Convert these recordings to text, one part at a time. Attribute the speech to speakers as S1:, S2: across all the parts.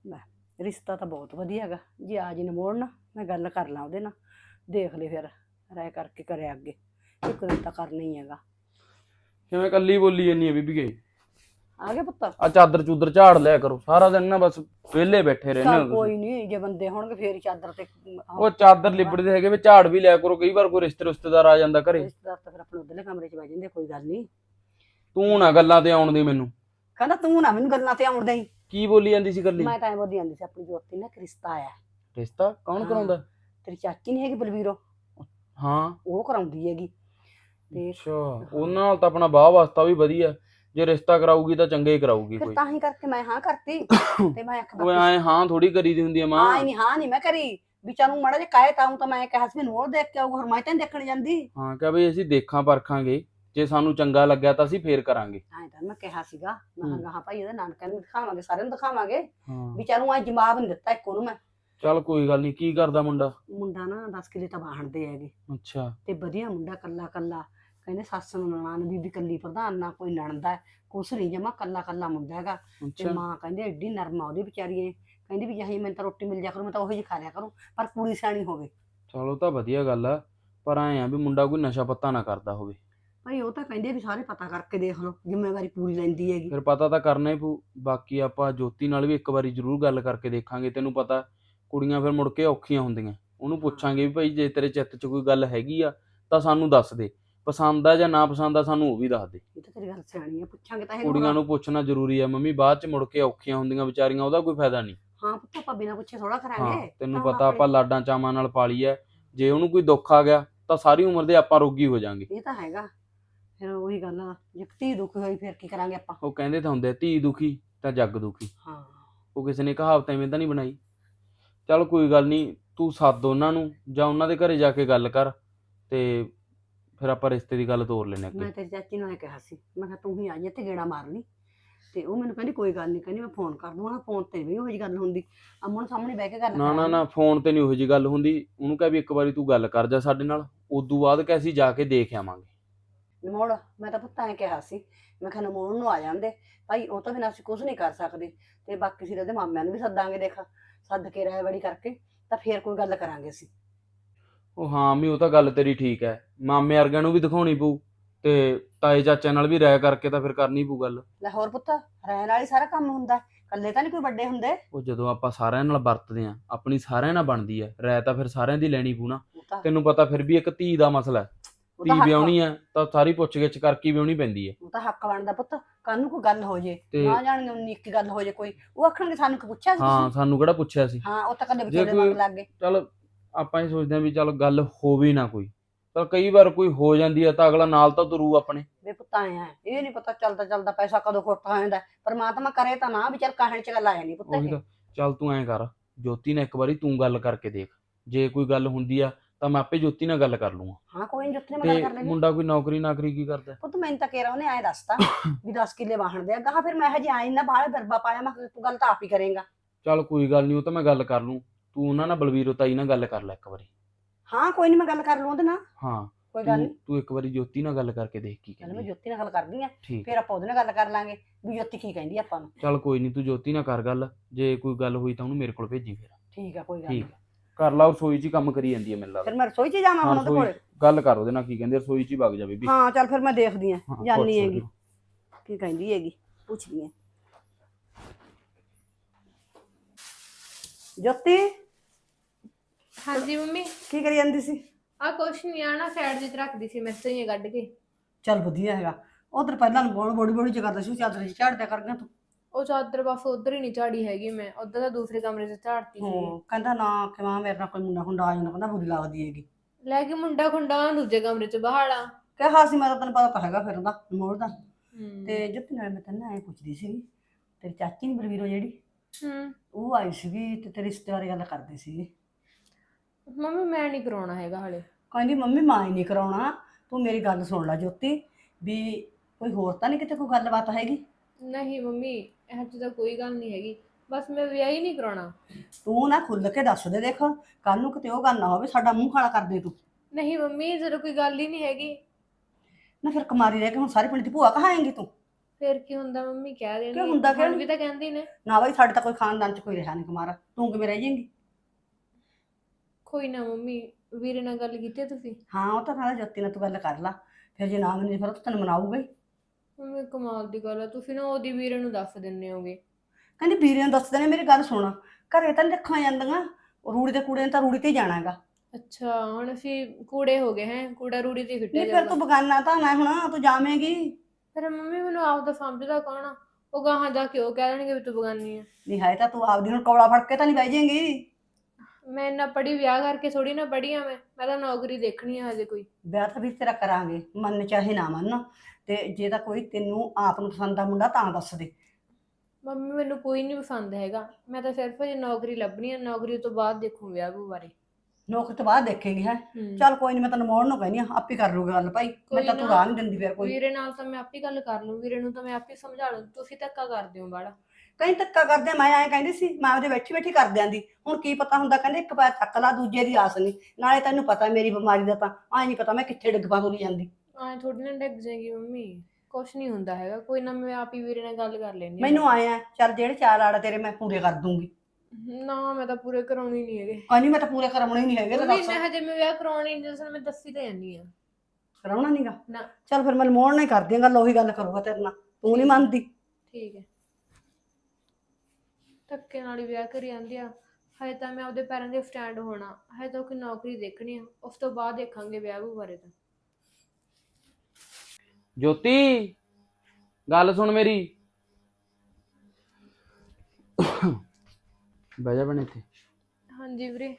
S1: ਲੈ ਰਿਸ਼ਤਾ ਤਾਂ ਬਹੁਤ ਵਧੀਆ ਹੈਗਾ, ਜੇ ਆ ਜੀ ਨਿਮੋੜਨ ਮੈਂ ਗੱਲ ਕਰ ਲਾਂ ਉਹਦੇ ਨਾਲ, ਦੇਖ ਲੈ ਫਿਰ ਰਾਏ ਕਰਕੇ ਕਰਿਆ ਅੱਗੇ, ਇੱਕ ਦਿਨ ਤਾਂ ਕਰਨਾ ਹੀ ਹੈਗਾ।
S2: ਕਿਵੇਂ ਕੱਲੀ ਬੋਲੀ ਜਾਨੀ ਆ ਬੀਬੀਏ?
S1: ਆ ਗਿਆ ਪੁੱਤ?
S2: ਆ ਚਾਦਰ ਚੂਦਰ ਝਾੜ ਲਿਆ ਕਰੋ, ਸਾਰਾ ਦਿਨ ਨਾ ਬਸ ਵਿਹਲੇ ਬੈਠੇ ਰਹਿੰਦੇ ਹੋ
S1: ਚੱਲ
S2: ਤੁਸੀਂ।
S1: ਕੋਈ ਨਹੀਂ, ਜੇ ਬੰਦੇ ਹੋਣਗੇ ਫੇਰ ਹੀ ਚਾਦਰ ਤੇ
S2: ਉਹ ਚਾਦਰ ਲਿਬੜਦੇ ਹੈਗੇ ਵੀ ਝਾੜ ਵੀ ਲਿਆ ਕਰੋ, ਕਈ ਵਾਰ ਕੋਈ ਰਿਸ਼ਤੇਦਾਰ ਆ ਜਾਂਦਾ ਘਰੇ।
S1: ਰਿਸ਼ਤੇਦਾਰ ਤਾਂ ਫਿਰ ਆਪਣੇ ਉਧਰਲੇ ਕਮਰੇ 'ਚ ਬਹਿ ਜਾਂਦੇ, ਕੋਈ ਗੱਲ ਨਹੀਂ।
S2: ਤੂੰ ਨਾ ਗੱਲਾਂ ਤੇ ਆਉਣ ਦੀ ਮੈਨੂੰ।
S1: ਕਹਿੰਦਾ ਤੂੰ ਨਾ ਮੈਨੂੰ ਗੱਲਾਂ ਤੇ ਆਉਣ ਦੇਈਂ।
S2: ਕੀ ਬੋਲੀ ਜਾਂਦੀ ਸੀ ਕੱਲੀ?
S1: ਮੈਂ ਤਾਂ ਐਂ ਬੋਲੀ ਜਾਂਦੀ ਸੀ, ਆਪਣੀ ਜੋਤੀ ਨਾਲ ਇੱਕ ਰਿਸ਼ਤਾ ਆਇਆ।
S2: ਰਿਸ਼ਤਾ ਕੌਣ ਕਰਾਉਂਦਾ?
S1: ਤੇਰੀ ਚਾਚੀ ਨਹੀਂ ਹੈਗੀ ਬਲਵੀਰੋ,
S2: ਹਾਂ
S1: ਉਹ ਕਰਾਉਂਦੀ ਹੈਗੀ। ਤੇ
S2: ਅੱਛਾ, ਉਹਨਾਂ ਨਾਲ ਤਾਂ ਆਪਣਾ ਵਾਹ ਵਾਸਤਾ ਵੀ ਵਧੀਆ, ਜੇ ਰਿਸ਼ਤਾ ਕਰਾਊਗੀ ਤਾਂ ਚੰਗੇ ਹੀ ਕਰਾਊਗੀ
S1: ਫਿਰ
S2: ਕੋਈ।
S1: ਤਾਂ ਹੀ ਕਰਕੇ ਮੈਂ ਹਾਂ ਕਰਤੀ। ਤੇ ਮੈਂ
S2: ਉਹ ਐ ਹਾਂ ਥੋੜੀ ਕਰੀ ਦੀ ਹੁੰਦੀ ਆ ਮਾਂ।
S1: ਹਾਂ ਨਹੀਂ ਮੈਂ ਕਰੀ ਵੀ ਚਾਨੂੰ ਮਾੜਾ ਜਿਹਾ ਕਾਇ ਤਾਂ ਮੈਂ ਕਿਹਾ ਸੀ ਮੈਨੂੰ ਹੋਰ ਦੇਖ ਕੇ ਆਊਗਾ, ਹੋਰ ਮੈਂ ਤਾਂ ਨੀ ਦੇਖਣ ਜਾਂਦੀ।
S2: ਹਾਂ ਕਿਹਾ ਬਈ ਅਸੀਂ ਦੇਖਾਂ ਪਰਖਾਂਗੇ, ਜੇ ਸਾਨੂੰ ਚੰਗਾ ਲੱਗਿਆ ਤਾਂ ਅਸੀਂ ਫੇਰ ਕਰਾਂਗੇ।
S1: ਐਂ ਤਾਂ ਮੈਂ ਕਿਹਾ ਸੀਗਾ, ਮੈਂ ਕਿਹਾ ਭਾਈ ਇਹਦੇ ਨਾਨਕਿਆਂ ਨੂੰ ਦਿਖਾਵਾਂਗੇ, ਸਾਰਿਆਂ ਨੂੰ ਦਿਖਾਵਾਂਗੇ।
S2: ਹਾਂ
S1: ਵੀ ਚਾਨੂੰ ਆ ਜਵਾਬ ਨਹੀਂ ਦਿੱਤਾ ਇੱਕੋ ਨੂੰ ਮੈਂ।
S2: ਚੱਲ ਕੋਈ ਗੱਲ ਨਹੀਂ। ਕੀ ਕਰਦਾ ਮੁੰਡਾ?
S1: ਮੁੰਡਾ ਨਾ 10 ਕਿੱਲੇ ਤਾਂ ਵਾਹਣਦੇ ਹੈਗੇ,
S2: ਅੱਛਾ
S1: ਤੇ ਵਧੀਆ ਮੁੰਡਾ, ਕੱਲਾ ਕੱਲਾ। ਕਹਿੰਦੇ ਸੱਸ ਨੂੰ ਨਨਾਣ ਬੀਬੀ ਕੱਲੀ ਪ੍ਰਧਾਨ, ਨਾ ਕੋਈ ਨਣਦਾ ਕੁਛ ਨਹੀਂ, ਜਮਾ ਕੱਲਾ ਕੱਲਾ ਮੁੰਡਾ ਹੈਗਾ। ਤੇ
S2: ਅੱਛਾ
S1: ਮਾਂ ਕਹਿੰਦੇ ਐਡੀ ਨਰਮ ਆ ਉਹਦੀ ਵਿਚਾਰੀ, ਕਹਿੰਦੀ ਵੀ ਜਿਹੀ ਮੈਨੂੰ ਤਾਂ ਰੋਟੀ ਮਿਲ ਜਾ ਕਰੂ ਮੈਂ ਤਾਂ ਉਹੀ ਜਿਹੀ ਖਾ ਲਿਆ ਕਰੂੰ, ਪਰ ਕੁੜੀ ਸਿਆਣੀ ਹੋਵੇ।
S2: ਚਲੋ ਤਾਂ ਵਧੀਆ ਗੱਲ ਆ, ਪਰ ਐਂ ਆ ਵੀ ਮੁੰਡਾ ਕੋਈ ਨਸ਼ਾ ਪੱਤਾ ਨਾ ਕਰਦਾ ਹੋਵੇ।
S1: ਭਾਈ ਉਹ ਤਾਂ ਕਹਿੰਦੇ ਵੀ ਸਾਰੇ ਪਤਾ ਕਰਕੇ ਦੇਖ ਲਓ, ਜ਼ਿੰਮੇਵਾਰੀ ਪੂਰੀ ਲੈਂਦੀ ਹੈਗੀ।
S2: ਫਿਰ ਪਤਾ ਤਾਂ ਕਰਨਾ ਹੀ ਪਊ। ਬਾਕੀ ਆਪਾਂ ਜੋਤੀ ਨਾਲ ਵੀ ਇੱਕ ਵਾਰੀ ਜ਼ਰੂਰ ਗੱਲ ਕਰਕੇ ਦੇਖਾਂਗੇ। ਤੈਨੂੰ ਪਤਾ ਕੁੜੀਆਂ ਫਿਰ ਮੁੜ ਕੇ ਔਖੀਆਂ ਹੁੰਦੀਆਂ। ਉਹਨੂੰ ਪੁੱਛਾਂਗੇ ਵੀ ਭਾਈ ਜੇ ਤੇਰੇ ਚਿੱਤ 'ਚ ਕੋਈ ਗੱਲ ਹੈਗੀ ਆ ਤਾਂ ਸਾਨੂੰ ਦੱਸ ਦੇ, ਪਸੰਦ ਆ ਜਾਂ ਨਾ ਪਸੰਦ ਆ ਸਾਨੂੰ ਉਹ ਵੀ ਦੱਸ ਦੇ।
S1: ਇਹ ਤਾਂ ਤੇਰੀ ਗੱਲ ਸਿਆਣੀ ਆ, ਪੁੱਛਾਂਗੇ ਤਾਂ
S2: ਕੁੜੀਆਂ ਨੂੰ ਪੁੱਛਣਾ ਜ਼ਰੂਰੀ ਆ ਮੰਮੀ, ਬਾਅਦ 'ਚ ਮੁੜ ਕੇ ਔਖੀਆਂ ਹੁੰਦੀਆਂ ਵਿਚਾਰੀਆਂ, ਉਹਦਾ ਕੋਈ ਫਾਇਦਾ ਨਹੀਂ।
S1: ਹਾਂ ਪੁੱਤ, ਆਪਾਂ ਬਿਨਾਂ ਪੁੱਛੇ ਥੋੜਾ
S2: ਹਾਂ
S1: ਕਰਾਂਗੇ।
S2: ਤੈਨੂੰ ਪਤਾ ਆਪਾਂ ਲਾਡਾਂ ਚਾਵਾਂ ਨਾਲ ਪਾਲੀ ਐ, ਜੇ ਉਹਨੂੰ ਕੋਈ ਦੁੱਖ ਆ ਗਿਆ ਤਾਂ ਸਾਰੀ ਉਮਰ ਦੇ ਆਪਾਂ ਰੋਗੀ ਹੋ ਜਾਾਂਗੇ।
S1: ਇਹ ਤਾਂ ਹੈਗਾ, ਫਿਰ ਉਹੀ ਗੱਲ ਆ, ਜੇ ਧੀ ਦੁੱਖ ਹੋਈ ਫਿਰ ਕੀ ਕਰਾਂਗੇ ਆਪਾਂ।
S2: ਉਹ ਕਹਿੰਦੇ ਤਾਂ ਹੁੰਦੇ ਧੀ ਦੁਖੀ ਤਾਂ ਜੱਗ ਦੁਖੀ।
S1: ਹਾਂ
S2: ਉਹ ਕਿਸੇ ਨੇ ਕਹਾਵਤ ਐਵੇਂ ਤਾਂ ਨਹੀਂ ਬਣਾਈ। ਚੱਲ ਕੋਈ ਗੱਲ ਨਹੀਂ, ਤੂੰ ਸੱਦ ਉਹਨਾਂ ਨੂੰ ਜਾਂ ਉਹਨਾਂ ਦੇ ਘਰੇ ਜਾ ਕੇ ਗੱਲ ਕਰ, ਤੇ ਫਿਰ ਆਪਾਂ ਰਿਸ਼ਤੇ ਦੀ ਗੱਲ ਤੋਰ ਲੈਨੇ ਅੱਗੇ।
S1: ਮੈਂ ਤੇਰੀ ਚਾਚੀ ਨੂੰ ਇਹ ਕਿਹਾ ਸੀ, ਮੈਂ ਕਿਹਾ ਤੂੰ ਹੀ ਆ ਜਾ ਤੇ ਗੇੜਾ ਮਾਰ ਲਈ। ਤੇ ਉਹ ਮੈਨੂੰ ਕਹਿੰਦੀ ਕੋਈ ਗੱਲ ਨਹੀਂ, ਕਹਿੰਦੀ ਮੈਂ ਫੋਨ ਕਰ ਦੂੰਗਾ। ਫੋਨ ਤੇ ਵੀ ਉਹੋ ਜਿਹੀ ਗੱਲ ਹੁੰਦੀ, ਅਮਨ ਸਾਹਮਣੇ ਬਹਿ ਕੇ ਗੱਲ
S2: ਨਾ ਨਾ
S1: ਕਰਾਂਗੇ।
S2: ਨਾ, ਫੋਨ ਤੇ ਨਹੀਂ ਉਹੋ ਜਿਹੀ ਗੱਲ ਹੁੰਦੀ। ਉਹਨੂੰ ਕਹਿ ਵੀ ਇੱਕ ਵਾਰੀ ਤੂੰ ਗੱਲ ਕਰ ਜਾ ਸਾਡੇ ਨਾਲ, ਉਦੋਂ ਬਾਅਦ ਕਿ ਅਸੀਂ ਜਾ ਕੇ ਦੇਖ ਆਵਾਂਗੇ।
S1: ਨਮੋੜ, ਮੈਂ ਤਾਂ ਪੁੱਤਾਂ ਨੇ ਕਿਹਾ ਸੀ, ਮੈਂ ਕਿਹਾ ਨਮੋੜ ਨੂੰ ਆ ਜਾਂਦੇ ਭਾਈ, ਉਹ ਤੋਂ ਬਿਨਾਂ ਅਸੀਂ ਕੁਝ ਨਹੀਂ ਕਰ ਸਕਦੇ। ਤੇ ਬਾਕੀ ਸਿਰੇ ਦੇ ਮਾਮਿਆਂ ਨੂੰ ਵੀ ਸੱਦਾਂਗੇ, ਦੇਖ ਸੱਦ ਕੇ ਰਾਏ ਬੜੀ ਕਰਕੇ ਤਾਂ ਫੇਰ ਕੋਈ ਗੱਲ ਕਰਾਂਗੇ ਅਸੀਂ।
S2: ਉਹ ਹਾਂ ਵੀ ਉਹ ਤਾਂ ਗੱਲ ਤੇਰੀ ਠੀਕ ਹੈ, ਮਾਮੇ ਵਰਗਿਆਂ ਨੂੰ ਵੀ ਦਿਖਾਉਣੀ ਪਊ, ਤੇ ਤਾਏ ਚਾਚਿਆਂ ਨਾਲ ਵੀ ਰਾਏ ਕਰਕੇ ਤਾਂ ਫਿਰ ਕਰਨੀ ਪਊ ਗੱਲ।
S1: ਲੈ ਹੋਰ ਪੁੱਤ, ਰਾਏ ਨਾਲ ਹੀ ਸਾਰਾ ਕੰਮ ਹੁੰਦਾ, ਇਕੱਲੇ ਤਾਂ ਨਹੀਂ ਕੋਈ ਵੱਡੇ ਹੁੰਦੇ।
S2: ਉਹ ਜਦੋਂ ਆਪਾਂ ਸਾਰਿਆਂ ਨਾਲ ਵਰਤਦੇ ਆਂ, ਆਪਣੀ ਸਾਰਿਆਂ ਨਾਲ ਬਣਦੀ ਹੈ ਰਾਏ, ਤਾਂ ਫਿਰ ਸਾਰਿਆਂ ਦੀ ਲੈਣੀ ਪਊ ਨਾ। ਤੈਨੂੰ ਪਤਾ ਫਿਰ ਵੀ ਇੱਕ ਧੀ ਦਾ ਮਸਲਾ ਹੈ, ਧੀ ਵਿਆਹੁਣੀ ਹੈ ਤਾਂ ਸਾਰੀ ਪੁੱਛ ਗਿੱਛ ਕਰਕੇ ਵਿਆਹੁਣੀ ਪੈਂਦੀ ਹੈ।
S1: ਉਹ ਤਾਂ ਹੱਕ ਬਣਦਾ ਪੁੱਤ, ਕੱਲ ਨੂੰ ਕੋਈ ਗੱਲ ਹੋ ਜੇ,
S2: ਤੇ
S1: ਨਾ ਜਾਣਗੇ ਉਨੀ ਇੱਕ ਗੱਲ ਹੋ ਜੇ ਕੋਈ, ਉਹ ਆਖਣਗੇ ਸਾਨੂੰ ਕੀ ਪੁੱਛਿਆ ਸੀ
S2: ਹਾਂ
S1: ਤੁਸੀਂ।
S2: ਸਾਨੂੰ ਕਿਹੜਾ ਪੁੱਛਿਆ ਸੀ।
S1: ਹਾਂ ਉਹ ਤਾਂ ਕਦੇ
S2: ਜੇ
S1: ਵਿਚੋਲੇ ਮੰਗ ਲੱਗ ਗਏ।
S2: ਚੱਲ ਆਪਾਂ ਇਹ ਸੋਚਦੇ ਆਂ ਵੀ ਚੱਲ ਗੱਲ ਹੋਵੇ ਨਾ ਕੋਈ, ਤਾਂ ਕਈ ਵਾਰ ਕੋਈ ਹੋ ਜਾਂਦੀ ਹੈ ਤਾਂ ਅਗਲਾ ਨਾਲ ਤਾਂ ਤੁਰੂ ਆਪਣੇ।
S1: ਵੇ ਪੁੱਤ ਆਏ ਆ, ਇਹ ਨਹੀਂ ਪਤਾ ਚੱਲਦਾ ਚੱਲਦਾ ਪੈਸਾ ਕਦੋਂ ਖੋਟਾ ਹੋ ਜਾਂਦਾ, ਪਰਮਾਤਮਾ ਕਰੇ ਤਾਂ ਨਾ, ਵੀ ਚੱਲ ਕਹਿਣ ਚ ਗੱਲ ਆਇਆ ਨਹੀਂ ਪੁੱਤ
S2: ਉਹੀ
S1: ਇਹ।
S2: ਤਾਂ, ਚੱਲ ਤੂੰ ਐਂ ਕਰ, ਜੋਤੀ ਨਾਲ ਇੱਕ ਵਾਰੀ ਤੂੰ ਗੱਲ ਕਰਕੇ ਦੇਖ, ਜੇ ਕੋਈ ਗੱਲ ਹੁੰਦੀ ਆ ਤਾਂ ਮੈਂ ਆਪੇ ਜੋਤੀ ਨਾਲ ਗੱਲ ਕਰ ਲੂੰਗਾ।
S1: ਹਾਂ ਕੋਈ ਨਹੀਂ, ਜੁੱਤੀ ਨਾਲ ਗੱਲ
S2: ਤੇ
S1: ਕਰ ਲੈਂਦੇ।
S2: ਮੁੰਡਾ ਕੋਈ ਨੌਕਰੀ ਨਾਕਰੀ ਕੀ ਕਰਦਾ?
S1: ਪੁੱਤ ਮੈਨੂੰ ਤਾਂ ਕਿਹਾ ਉਹਨੇ ਐਂ ਦੱਸਤਾ ਵੀ 10 ਕਿੱਲੇ ਵਾਹਣ ਦੇ ਅੱਗਾ, ਫਿਰ ਮੈਂ ਹਜੇ ਆਈ ਨਾ ਬਾਹਰ ਬਰਬਾ ਪਾਇਆ, ਮੈਂ ਕਿਹਾ ਤੂੰ ਗੱਲ ਤਾਂ ਆਪ ਹੀ ਕਰੇਂਗਾ।
S2: ਚੱਲ ਕੋਈ ਗੱਲ ਨਹੀਂ, ਉਹ ਤਾਂ ਮੈਂ ਗੱਲ ਕਰ ਲੂੰ। ਤੂੰ ਉਹਨਾਂ ਨਾਲ ਬਲਵੀਰੋ ਤਾਈ ਨਾਲ ਗੱਲ ਕਰ ਲੈ ਇੱਕ ਵਾਰੀ।
S1: ਹਾਂ ਕੋਈ ਨਹੀਂ, ਮੈਂ ਗੱਲ ਕਰ ਲੂੰ ਉਹਦੇ ਨਾਲ,
S2: ਹਾਂ
S1: ਕੋਈ ਗੱਲ ਨਹੀਂ।
S2: ਤੂੰ ਇੱਕ ਵਾਰੀ ਜੋਤੀ ਨਾਲ ਗੱਲ ਕਰਕੇ ਦੇਖ ਕੀ
S1: ਚੱਲ ਮੈਂ
S2: ਕਹਿੰਦੀ।
S1: ਜੋਤੀ ਨਾਲ ਗੱਲ ਕਰਦੀ ਆ,
S2: ਠੀਕ,
S1: ਫਿਰ ਆਪਾਂ ਉਹਦੇ ਨਾਲ ਗੱਲ ਕਰ ਲਾਂਗੇ ਵੀ ਜੋਤੀ ਕੀ ਕਹਿੰਦੀ ਆਪਾਂ ਨੂੰ।
S2: ਚੱਲ ਕੋਈ ਨਹੀਂ, ਤੂੰ ਜੋਤੀ ਨਾਲ ਕਰ ਗੱਲ, ਜੇ ਕੋਈ ਗੱਲ ਹੋਈ ਤਾਂ ਉਹਨੂੰ ਮੇਰੇ ਕੋਲ ਭੇਜੀ ਫਿਰ।
S1: ਠੀਕ ਆ, ਕੋਈ ਗੱਲ ਨਹੀਂ।
S2: ਠੀਕ ਕਰ ਲਾ, ਰਸੋਈ 'ਚ ਹੀ ਕੰਮ ਕਰੀ ਜਾਂਦੀ ਹੈ ਮੈਨੂੰ ਲੱਗਦਾ।
S1: ਫਿਰ ਮੈਂ ਰਸੋਈ 'ਚ ਜਾਵਾਂ ਹੁਣ ਉਹਦੇ ਕੋਲੇ।
S2: ਗੱਲ ਕਰ ਉਹਦੇ ਨਾਲ, ਕੀ ਕਹਿੰਦੇ, ਰਸੋਈ 'ਚ ਹੀ ਵਗ ਜਾ ਬੀਬੀ।
S1: ਹਾਂ ਚੱਲ ਫਿਰ ਮੈਂ ਦੇਖਦੀ ਆ,
S2: ਹਾਂ,
S1: ਜਾਨੀ
S2: ਪੁੱਛ
S1: ਹੈਗੀ
S2: ਉਹਨੂੰ।
S1: ਕੀ ਕਹਿੰਦੀ ਹੈਗੀ, ਪੁੱਛਦੀ ਆ। ਜੋਤੀ
S3: ਹਾਂਜੀ ਮੰਮੀ,
S1: ਕੀ ਕਰੀ ਜਾਂਦੀ ਸੀ?
S3: ਆ ਕੁਛ ਨਹੀਂ, ਆ ਨਾ ਸਾਈਡ ਜਿੱਤ ਰੱਖਦੀ ਸੀ ਮਿਰਚਾਂ ਕੱਢ ਕੇ।
S1: ਚੱਲ ਵਧੀਆ ਹੈਗਾ, ਉਧਰ ਪਹਿਲਾਂ ਬੋੜੀ ਬੋੜੀ ਚ ਕਰਦਾ ਸੀ, ਚਾਦਰ ਚ ਝਾੜਦਾ ਕਰ ਗਿਆ ਤੂੰ।
S3: ਉਹ ਚਾਦਰ ਬਸ ਉਧਰ ਹੀ ਨਹੀਂ ਝਾੜੀ ਹੈਗੀ, ਮੈਂ ਉਧਰ ਤਾਂ ਦੂਸਰੇ ਕਮਰੇ 'ਚ ਝਾੜਤੀ ਸੀ।
S1: ਕਹਿੰਦਾ ਨਾ ਕਿ ਮਾਂ ਮੇਰੇ ਨਾਲ ਕੋਈ ਮੁੰਡਾ ਖੁੰਡਾ ਆ ਜਾਂਦਾ, ਕਹਿੰਦਾ ਬੁਰੀ ਲੱਗਦੀ ਹੈਗੀ।
S3: ਲੈ ਕੇ ਮੁੰਡਾ ਖੁੰਡਾ ਦੂਜੇ ਕਮਰੇ 'ਚ ਬਹਾਲਾ।
S1: ਕਿਹਾ ਸੀ ਮੈਂ ਤਾਂ, ਤੈਨੂੰ ਪਤਾ ਤਾਂ ਹੈਗਾ ਫਿਰ ਉਹਦਾ ਮੋੜ ਦਾ। ਤੇ ਜੁੱਤੀ ਨਾਲ ਮੈਂ ਤੈਨੂੰ ਐਂ ਪੁੱਛਦੀ ਸੀਗੀ, ਤੇਰੀ ਚਾਚੀ ਨੀ ਬਲਵੀਰੋ ਜਿਹੜੀ, ਉਹ ਆਈ ਸੀਗੀ ਤੇ ਤੇਰੇ ਰਿਸ਼ਤੇ ਬਾਰੇ ਗੱਲ ਕਰਦੇ ਸੀਗੇ।
S3: ਮੰਮੀ ਮੈਂ ਨਹੀਂ ਕਰਾਉਣਾ ਹੈਗਾ ਹਲੇ।
S1: ਕਹਿੰਦੀ ਮੰਮੀ ਮੈਂ ਹੀ ਨਹੀਂ ਕਰਾਉਣਾ, ਤੂੰ ਮੇਰੀ ਗੱਲ ਸੁਣ ਲੈ ਜੋਤੀ, ਵੀ ਕੋਈ ਹੋਰ ਤਾਂ ਨਹੀਂ ਕਿਤੇ ਕੋਈ ਗੱਲਬਾਤ ਹੈਗੀ?
S3: ਨਹੀਂ ਮੰਮੀ, ਇਹੋ ਜਿਹੀ ਤਾਂ ਕੋਈ ਗੱਲ ਨਹੀਂ ਹੈਗੀ, ਬਸ ਮੈਂ ਵਿਆਹ ਹੀ ਨਹੀਂ ਕਰਾਉਣਾ।
S1: ਤੂੰ ਨਾ ਖੁੱਲ ਕੇ ਦੱਸ ਦੇ, ਦੇਖ ਕੱਲ ਨੂੰ ਕਿਤੇ ਉਹ ਗੱਲ ਨਾ ਹੋਵੇ ਸਾਡਾ ਮੂੰਹ ਖਾਲਾ ਕਰ ਦੇ ਤੂੰ।
S3: ਨਹੀਂ ਮੰਮੀ, ਜਦੋਂ ਕੋਈ ਗੱਲ ਹੀ ਨਹੀਂ ਹੈਗੀ।
S1: ਨਾ ਫਿਰ ਕੁਮਾਰੀ ਰਹਿ ਕੇ ਹੁਣ ਸਾਰੇ ਪਿੰਡ ਦੀ ਭੂਆ ਕਹਾਏਂਗੀ ਤੂੰ?
S3: ਫਿਰ ਕੀ ਹੁੰਦਾ ਮੰਮੀ, ਕਹਿ ਦੇਣਗੇ।
S1: ਹੁੰਦਾ ਕਿਉਂ
S3: ਹੁਣ ਵੀ ਤਾਂ ਕਹਿੰਦੀ ਨੇ।
S1: ਨਾ ਬਾਈ ਸਾਡੇ ਤਾਂ ਕੋਈ ਖਾਨਦਾਨ ਚ ਕੋਈ ਰਿਹਾ ਨਹੀਂ ਕੁਮਾਰ, ਤੂੰ ਕਿਵੇਂ ਰਹਿ ਜਾਏਂਗੀ?
S3: ਕੋਈ ਨਾ ਮੰਮੀ, ਵੀਰੇ ਨਾਲ ਗੱਲ ਕੀਤੀ ਆ ਤੁਸੀਂ?
S1: ਹਾਂ ਉਹ ਤਾਂ ਨਾਲ ਜੋਤੀ ਨਾਲ ਤੂੰ ਗੱਲ ਕਰ ਲਾ, ਫਿਰ ਜੇ ਨਾ ਮੰਨੀ ਫਿਰ ਉਹ ਤਾਂ ਤੈਨੂੰ ਮਨਾਊਗਾ ਹੀ।
S3: ਮੰਮੀ ਕਮਾਲ ਦੀ ਗੱਲ ਆ, ਤੁਸੀਂ ਨਾ ਉਹਦੀ ਵੀਰੇ ਨੂੰ ਦੱਸ ਦਿੰਦੇ ਹੋਗੇ।
S1: ਕਹਿੰਦੀ ਵੀਰੇ ਨੂੰ ਦੱਸਦੇ ਨੇ, ਮੇਰੀ ਗੱਲ ਸੁਣ, ਘਰੇ ਤਾਂ ਨੀ ਰੱਖਾਂ ਜਾਂਦੀਆਂ, ਰੂੜੀ ਦੇ ਕੂੜੇ ਨੇ ਤਾਂ ਰੂੜੀ ਤੇ ਹੀ ਜਾਣਾ ਹੈਗਾ।
S3: ਅੱਛਾ, ਹੁਣ ਅਸੀਂ ਕੂੜੇ ਹੋ ਗਏ ਹੈ, ਕੂੜਾ ਰੂੜੀ ਤੇ ਫਿੱਟਿਆ
S1: ਨਹੀਂ ਫਿਰ
S3: ਜਾਊਗਾ।
S1: ਤੂੰ ਬਗਾਨਾ ਤਾਂ ਮੈਂ ਹੁਣ, ਤੂੰ ਜਾਵੇਂਗੀ।
S3: ਫਿਰ ਮੰਮੀ ਮੈਨੂੰ ਆਪ ਦਾ ਸਮਝਦਾ ਕੌਣ ਆ? ਉਹ ਗਾਹਾਂ ਜਾ ਕੇ ਉਹ ਕਹਿ ਦੇਣਗੇ ਵੀ ਤੂੰ ਬਗਾਨੀ ਆ।
S1: ਨਹੀਂ ਹੈ ਤਾਂ ਤੂੰ ਆਪਦੀ ਨੂੰ ਕੌਲਾ ਫੜ ਕੇ ਤਾਂ ਨਹੀਂ ਬਹਿ ਜਾਏਂਗੀ।
S3: ਮੈਂ ਇੰਨਾ ਪੜ੍ਹੀ, ਵਿਆਹ ਕਰਕੇ ਥੋੜੀ ਨਾ ਪੜ੍ਹੀ ਆ, ਮੈਂ ਤਾਂ ਨੌਕਰੀ ਦੇਖਣੀ ਆ ਹਜੇ ਕੋਈ।
S1: ਵਿਆਹ ਤਾਂ ਵੀ ਤੇਰਾ ਕਰਾਂਗੇ, ਮੰਨ ਚਾਹੇ ਨਾ ਮੰਨ, ਤੇ ਜੇ ਤਾਂ ਕੋਈ ਤੈਨੂੰ ਆਪ ਨੂੰ ਪਸੰਦ ਆ ਮੁੰਡਾ ਤਾਂ ਦੱਸ ਦੇ।
S3: ਮੰਮੀ ਮੈਨੂੰ ਕੋਈ ਨਹੀਂ ਪਸੰਦ ਹੈਗਾ, ਮੈਂ ਤਾਂ ਸਿਰਫ ਜੇ ਨੌਕਰੀ ਲੱਭਣੀ ਆ, ਨੌਕਰੀ ਤੋਂ ਬਾਅਦ ਦੇਖੂ ਵਿਆਹ ਵੂ ਬਾਰੇ।
S1: ਨੌਕਰੀ ਤੋਂ ਬਾਅਦ ਦੇਖੇਂਗੀ ਹੈ?
S3: ਹੂੰ।
S1: ਚੱਲ ਕੋਈ ਨਹੀਂ, ਮੈਂ ਤੈਨੂੰ ਮੋੜ ਨੂੰ ਕਹਿੰਦੀ ਆ, ਆਪੇ ਕਰ ਲੂਗਾ ਗੱਲ ਭਾਈ, ਮੈਂ ਤਾਂ ਤੂੰ
S3: ਨਾ,
S1: ਰਾਹ ਨਹੀਂ ਦਿੰਦੀ ਫਿਰ ਕੋਈ।
S3: ਵੀਰੇ ਨਾਲ ਤਾਂ ਮੈਂ ਆਪੇ ਗੱਲ ਕਰ ਲੂੰ, ਵੀਰੇ ਨੂੰ ਤਾਂ ਮੈਂ ਆਪੇ ਸਮਝਾ ਲੂੰ, ਤੁਸੀਂ ਧੱਕਾ ਕਰਦੇ ਹੋ ਬਾੜਾ।
S1: ਕਈ ਧੱਕਾ ਕਰਦੇ ਆ, ਮੈਂ ਐਂ ਕਹਿੰਦੀ ਸੀ ਮੈਂ ਉਹਦੇ ਬੈਠੀ ਬੈਠੀ ਕਰ ਦਿਆਂਦੀ, ਹੁਣ ਕੀ ਪਤਾ ਹੁੰਦਾ, ਕਹਿੰਦੇ ਇੱਕ ਪੈਰ ਚੱਕ ਲਾ ਦੂਜੇ ਦੀ ਆਸ ਨਹੀਂ, ਨਾਲੇ ਤੈਨੂੰ ਪਤਾ ਮੇਰੀ ਬਿਮਾਰੀ ਦਾ, ਤਾਂ ਐਂ ਨਹੀਂ ਪਤਾ ਮੈਂ ਕਿੱਥੇ ਡਿੱਗ ਪਾ ਤੁਰੀ ਜਾਂਦੀ।
S3: ਐਂ ਥੋੜੀ ਨਾ ਡਿੱਗ ਜਾਏਗੀ ਮੰਮੀ, ਕੁਛ ਨਹੀਂ ਹੁੰਦਾ ਹੈਗਾ, ਕੋਈ ਨਾ ਮੈਂ ਆਪ ਹੀ ਵੀਰੇ ਨਾਲ ਗੱਲ ਕਰ ਲੈਣੀ।
S1: ਮੈਨੂੰ ਆਏ ਆ, ਚੱਲ ਜਿਹੜੇ 4 ਆੜ ਤੇਰੇ ਮੈਂ ਪੂਰੇ ਕਰ ਦੂੰਗੀ।
S3: ਨਾ ਮੈਂ ਤਾਂ ਪੂਰੇ ਕਰਾਉਣੀ ਨਹੀਂ ਹੈਗੇ।
S1: ਕਹਿੰਦੀ ਮੈਂ ਤਾਂ ਪੂਰੇ ਕਰਾਉਣੇ ਹੀ ਨਹੀਂ ਹੈਗੇ, ਤਾਂ
S3: ਮੰਮੀ
S1: ਦੱਸ।
S3: ਮੈਂ ਹਜੇ ਵਿਆਹ ਕਰਾਉਣੀ ਨਹੀਂ, ਜਿਸ ਮੈਂ ਦੱਸੀ ਤਾਂ ਜਾਂਦੀ ਆ।
S1: ਕਰਾਉਣਾ ਨਹੀਂਗਾ?
S3: ਨਾ।
S1: ਚੱਲ ਫਿਰ ਮੈਂ ਮੋੜ ਨਹੀਂ ਕਰਦੀ ਗੱਲ, ਉਹੀ ਗੱਲ ਕਰੂਗਾ ਤੇਰੇ ਨਾਲ, ਤੂੰ ਨਹੀਂ ਮੰਨਦੀ।
S3: ਠੀਕ ਹੈ, ਧੱਕੇ ਨਾਲ ਹੀ ਵਿਆਹ ਕਰੀ ਜਾਂਦੀ ਆ। ਹਜੇ ਤਾਂ ਮੈਂ ਆਪਦੇ ਪੈਰਾਂ ਦੇ ਸਟੈਂਡ ਹੋਣਾ, ਹਜੇ ਤਾਂ ਕੋਈ ਨੌਕਰੀ ਦੇਖਣੀ ਆ, ਉਸ ਤੋਂ ਬਾਅਦ ਦੇਖਾਂਗੇ ਵਿਆਹ ਵੂ ਬਾਰੇ। ਤਾਂ
S2: ਜੋਤੀ ਗੱਲ ਸੁਣ ਮੇਰੀ, ਬਹਿ ਜਾ ਬਣ ਇੱਥੇ।
S3: ਹਾਂਜੀ ਵੀਰੇ।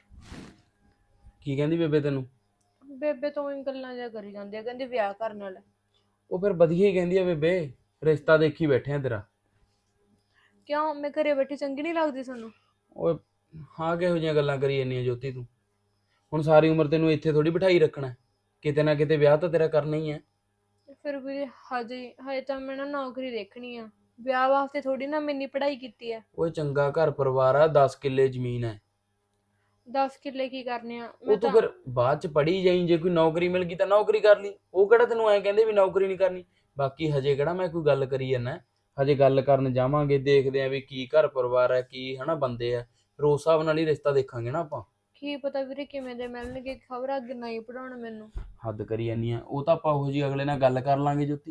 S2: ਕੀ ਕਹਿੰਦੀ ਬੇਬੇ ਤੈਨੂੰ?
S3: ਬੇਬੇ ਤੋਂ ਹੀ ਗੱਲਾਂ ਜਿਹਾ ਕਰੀ ਜਾਂਦੀ ਆ, ਕਹਿੰਦੀ ਵਿਆਹ ਕਰਨ ਵਾਲਾ।
S2: ਉਹ ਫਿਰ ਵਧੀਆ ਹੀ ਕਹਿੰਦੀ ਆ ਬੇਬੇ, ਰਿਸ਼ਤਾ ਦੇਖੀ ਬੈਠੇ ਆ ਤੇਰਾ।
S3: ਕਿਉਂ, ਮੈਂ ਘਰੇ ਬੈਠੀ ਚੰਗੀ ਨਹੀਂ ਲੱਗਦੀ ਤੁਹਾਨੂੰ?
S2: ਓਏ ਹਾਂ, ਕਿਹੋ ਜਿਹੀਆਂ ਗੱਲਾਂ ਕਰੀ ਜਾਂਦੀ ਆ ਜੋਤੀ ਤੂੰ? ਹੁਣ ਸਾਰੀ ਉਮਰ ਤੈਨੂੰ ਇੱਥੇ ਥੋੜੀ ਬਿਠਾਈ ਰੱਖਣਾ, ਕਿਤੇ ਨਾ ਕਿਤੇ ਵਿਆਹ ਤਾਂ ਤੇਰਾ ਕਰਨਾ ਹੀ ਹੈ।
S3: ਫਿਰ ਵੀਰੇ ਹਜੇ ਤਾਂ ਮੈਂ ਨਾ ਨੌਕਰੀ ਦੇਖਣੀ ਆ, ਵਿਆਹ ਵਾਸਤੇ ਥੋੜੀ ਨਾ ਮੈਨੀ ਪੜ੍ਹਾਈ ਕੀਤੀ ਆ।
S2: ਓਏ ਚੰਗਾ ਘਰ ਪਰਿਵਾਰ ਆ, 10 ਕਿੱਲੇ ਜ਼ਮੀਨ ਹੈ।
S3: 10 ਕਿੱਲੇ ਕੀ ਕਰਨੇ ਆ?
S2: ਉਹ ਤੂੰ ਫਿਰ ਬਾਅਦ ਚ ਪੜ੍ਹੀ ਜਾਈਂ, ਜੇ ਕੋਈ ਨੌਕਰੀ ਮਿਲ ਗਈ ਤਾਂ ਨੌਕਰੀ ਕਰ ਲਈ, ਉਹ ਕਿਹੜਾ ਤੈਨੂੰ ਐਂ ਕਹਿੰਦੇ ਵੀ ਨੌਕਰੀ ਨਹੀਂ ਕਰਨੀ। ਬਾਕੀ ਹਜੇ ਕਿਹੜਾ ਮੈਂ ਕੋਈ ਗੱਲ ਕਰੀ ਜਾਂਦਾ, ਹਜੇ ਗੱਲ ਕਰਨ ਜਾਵਾਂਗੇ, ਦੇਖਦੇ ਆਂ ਵੀ ਕੀ ਘਰ ਪਰਿਵਾਰ ਹੈ, ਕੀ ਹਨਾ ਬੰਦੇ ਆ, ਫਿਰ ਉਸ ਹਿਸਾਬ ਨਾਲ ਹੀ ਰਿਸ਼ਤਾ ਦੇਖਾਂਗੇ ਨਾ ਆਪਾਂ।
S3: ਕੀ ਪਤਾ ਵੀਰੇ ਕਿਵੇਂ ਦੇ ਮਿਲਣਗੇ, ਖਬਰ ਅੱਗੇ ਨਹੀਂ ਪੜਾਉਣ ਮੈਨੂੰ।
S2: ਹੱਦ ਕਰੀ ਜਾਂਦੀ ਆ, ਉਹ ਤਾਂ ਆਪਾਂ ਉਹੋ ਜਿਹੀ ਅਗਲੇ ਨਾਲ ਗੱਲ ਕਰ ਲਾਂਗੇ ਜੋਤੀ।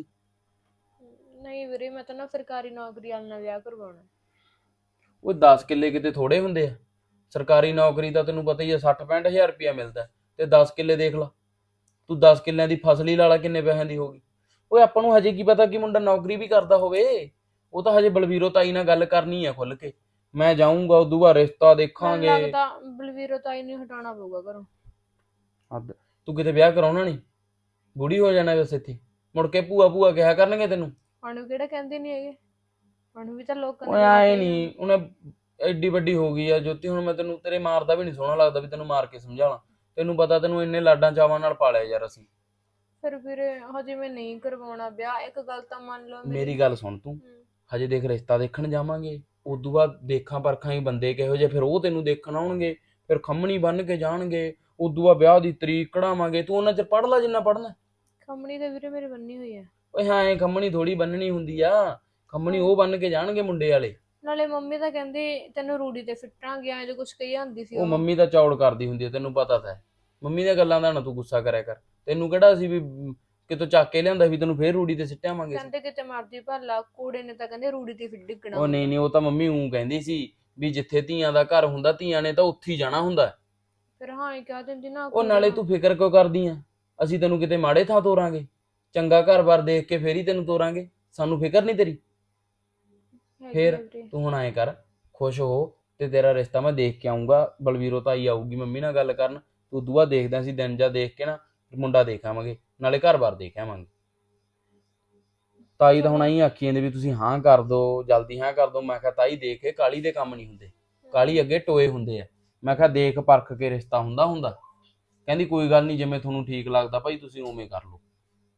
S3: ਨਹੀਂ ਵੀਰੇ, ਮੈਂ ਤਾਂ ਨਾ ਸਰਕਾਰੀ ਨੌਕਰੀ ਵਾਲੇ ਨਾਲ ਵਿਆਹ ਕਰਵਾਉਣਾ।
S2: ਉਹ 10 ਕਿੱਲੇ ਕਿਤੇ ਥੋੜੇ ਹੁੰਦੇ ਆ, ਸਰਕਾਰੀ ਨੌਕਰੀ ਦਾ ਤੈਨੂੰ ਪਤਾ ਹੀ ਆ 60-65 ਹਜ਼ਾਰ ਰੁਪਇਆ ਮਿਲਦਾ, ਤੇ 10 ਕਿੱਲੇ ਦੇਖ ਲਾ ਤੂੰ, 10 ਕਿੱਲਿਆਂ ਦੀ ਫਸਲ ਹੀ ਲਾ ਲਾ ਕਿੰਨੇ ਪੈਸਿਆਂ ਦੀ ਹੋਗੀ। ਓਏ ਆਪਾਂ ਨੂੰ ਹਜੇ ਕੀ ਪਤਾ ਕਿ ਮੁੰਡਾ ਨੌਕਰੀ ਵੀ ਕਰਦਾ ਹੋਵੇ, ਉਹ ਤਾਂ ਹਜੇ ਬਲਵੀਰੋ ਤਾਈ ਨਾਲ ਗੱਲ ਕਰਨੀ ਆ ਖੁੱਲ ਕੇ, ਮੈਂ ਜਾਊਂਗਾ ਉਦੋਂ ਬਾਅਦ ਰਿਸ਼ਤਾ ਦੇਖਾਂਗੇ।
S3: ਮੈਨੂੰ ਲੱਗਦਾ ਬਲਵੀਰੋ ਤਾਈ ਨੂੰ ਹਟਾਉਣਾ ਪਊਗਾ ਘਰੋਂ।
S2: ਹੱਦ, ਤੂੰ ਕਿਤੇ ਵਿਆਹ ਕਰਾਉਣਾ ਨਹੀਂ, ਬੁੜੀ ਹੋ ਜਾਣਾ ਬਸ ਇੱਥੇ, ਮੁੜ ਕੇ ਭੂਆ ਭੂਆ ਕਿਹਾ ਕਰਨਗੇ ਤੈਨੂੰ।
S3: ਉਹਨੂੰ ਕਿਹੜਾ ਕਹਿੰਦੇ ਨਹੀਂ ਹੈਗੇ, ਉਹਨੂੰ ਵੀ ਤਾਂ ਲੋਕਾਂ
S2: ਓਏ ਆਏ ਨਹੀਂ, ਉਹਨੇ ਐਡੀ ਵੱਡੀ ਹੋ ਗਈ ਆ ਜੋਤੀ, ਹੁਣ ਮੈਂ ਤੈਨੂੰ ਤੇਰੇ ਮਾਰਦਾ ਵੀ ਨਹੀਂ ਸੋਹਣਾ ਲੱਗਦਾ ਵੀ ਤੈਨੂੰ ਮਾਰ ਕੇ ਸਮਝਾਵਾਂ, ਤੈਨੂੰ ਪਤਾ ਤੈਨੂੰ ਇੰਨੇ ਲਾਡਾਂ ਚਾਵਾਂ ਨਾਲ ਪਾਲਿਆ ਯਾਰ ਅਸੀਂ।
S3: ਫਿਰ ਵੀਰੇ ਹਜੇ ਮੈਂ ਨਹੀਂ ਕਰਵਾਉਣਾ ਵਿਆਹ, ਇੱਕ ਗੱਲ ਤਾਂ ਮੰਨ ਲਓ
S2: ਮੇਰੀ ਗੱਲ ਸੁਣ ਤੂੰ, ਹਜੇ ਦੇਖ ਰਿਸ਼ਤਾ ਦੇਖਣ ਜਾਵਾਂਗੇ, ਉਦੋਂ ਬਾਅਦ ਦੇਖਾਂ ਪਰਖਾਂ ਹੀ ਬੰਦੇ ਕਿਹੋ ਜਿਹੇ, ਫਿਰ ਉਹ ਤੈਨੂੰ ਦੇਖਣ ਆਉਣਗੇ, ਫਿਰ ਖੰਮਣੀ ਬੰਨ ਕੇ ਜਾਣਗੇ, ਉਦੋਂ ਬਾਅਦ ਵਿਆਹ ਦੀ ਤਰੀਕ ਕਢਾਵਾਂਗੇ, ਤੂੰ ਉਹਨਾਂ ਚਿਰ ਪੜ੍ਹ ਲੈ ਜਿੰਨਾ ਪੜ੍ਹਨਾ।
S3: ਖੰਮਣੀ ਤਾਂ ਵੀਰੇ ਮੇਰੇ ਬੰਨੀ ਹੋਈ ਆ।
S2: ਓਏ ਹਾਂ, ਐ ਖੰਮਣੀ ਥੋੜੀ ਬੰਨਣੀ ਹੁੰਦੀ ਆ, ਖੰਮਣੀ ਉਹ ਬੰਨ ਕੇ ਜਾਣਗੇ ਮੁੰਡੇ ਵਾਲੇ।
S3: ਨਾਲੇ ਮੰਮੀ ਤਾਂ ਕਹਿੰਦੇ ਤੈਨੂੰ ਰੂੜੀ ਤੇ ਫਿੱਟਾਂਗੇ, ਐਂ ਜੋ ਕੁਛ ਕਹੀ ਜਾਂਦੀ ਸੀ
S2: ਉਹ ਮੰਮੀ ਤਾਂ ਚੌੜ ਕਰਦੀ ਹੁੰਦੀ ਆ, ਤੈਨੂੰ ਪਤਾ ਤਾਂ ਹੈ, ਮੰਮੀ ਦੀਆਂ ਗੱਲਾਂ ਦਾ ਨਾ ਤੂੰ ਗੁੱਸਾ ਕਰਿਆ ਕਰ, ਤੈਨੂੰ ਕਿਹੜਾ ਸੀ ਵੀ ਕਿਤੋਂ ਚੱਕ ਕੇ ਲਿਆਂਦਾ ਵੀ ਤੈਨੂੰ ਫੇਰ ਰੂੜੀ ਤੇ ਸਿੱਟਿਆਵਾਂਗੇ।
S3: ਕਹਿੰਦੇ ਕਿਤੇ ਮਰਜੀ ਭੱਲਾ, ਕੂੜੇ ਨੇ ਤਾਂ ਕਹਿੰਦੇ ਰੂੜੀ ਤੇ ਫਿਰ ਡਿੱਗਣਾ।
S2: ਉਹ ਨਹੀਂ, ਉਹ ਤਾਂ ਮੰਮੀ ਊਂ ਕਹਿੰਦੀ ਸੀ ਵੀ ਜਿੱਥੇ ਧੀਆਂ ਦਾ ਘਰ ਹੁੰਦਾ ਧੀਆਂ ਨੇ ਤਾਂ ਉੱਥੇ ਹੀ ਜਾਣਾ ਹੁੰਦਾ।
S3: ਫਿਰ ਹਾਂ ਹੀ ਕਹਿ ਦਿੰਦੀ ਨਾ।
S2: ਉਹ ਨਾਲੇ ਤੂੰ ਫਿਕਰ ਕਿਉਂ ਕਰਦੀ ਆ, ਅਸੀਂ ਤੈਨੂੰ ਕਿਤੇ ਮਾੜੇ ਥਾਂ ਤੋਰਾਂਗੇ, ਚੰਗਾ ਘਰ-ਬਾਰ ਦੇਖ ਕੇ ਫੇਰ ਹੀ ਤੈਨੂੰ ਤੋਰਾਂਗੇ, ਸਾਨੂੰ ਫਿਕਰ ਨਹੀਂ ਤੇਰੀ। ਫੇਰ ਤੂੰ ਹੁਣ ਐਂ ਕਰ, ਖੁਸ਼ ਹੋ, ਤੇ ਤੇਰਾ ਰਿਸ਼ਤਾ ਮੈਂ ਦੇਖ ਕੇ ਆਊਂਗਾ, ਬਲਵੀਰੋ ਤਾਈ ਆਊਗੀ ਮੰਮੀ ਨਾਲ ਗੱਲ ਕਰਨ, ਤੂੰ ਦੁਆ ਦੇਖਦਾ ਸੀ ਦਿਨ ਜਾ ਦੇਖ ਕੇ ਨਾ ਮੁੰਡਾ ਦੇਖ ਆਵਾਂਗੇ, ਨਾਲੇ ਘਰ-ਬਾਰ ਦੇਖ ਆਵਾਂਗੇ। ਤਾਈ ਤਾਂ ਹੁਣ ਐਂ ਆਖੀ ਜਾਂਦੇ ਵੀ ਤੁਸੀਂ ਹਾਂ ਕਰ ਦੋ, ਜਲਦੀ ਹਾਂ ਕਰ ਦੋ, ਮੈਂ ਕਿਹਾ ਤਾਈ ਦੇਖ ਕੇ ਕਾਲੀ ਦੇ ਕੰਮ ਨਹੀਂ ਹੁੰਦੇ, ਕਾਲੀ ਅੱਗੇ ਟੋਏ ਹੁੰਦੇ ਆ, ਮੈਂ ਕਿਹਾ ਦੇਖ ਪਰਖ ਕੇ ਰਿਸ਼ਤਾ ਹੁੰਦਾ। ਕਹਿੰਦੀ ਕੋਈ ਗੱਲ ਨਹੀਂ, ਜਿਵੇਂ ਤੁਹਾਨੂੰ ਠੀਕ ਲੱਗਦਾ ਭਾਈ ਤੁਸੀਂ ਉਵੇਂ ਕਰ ਲਓ,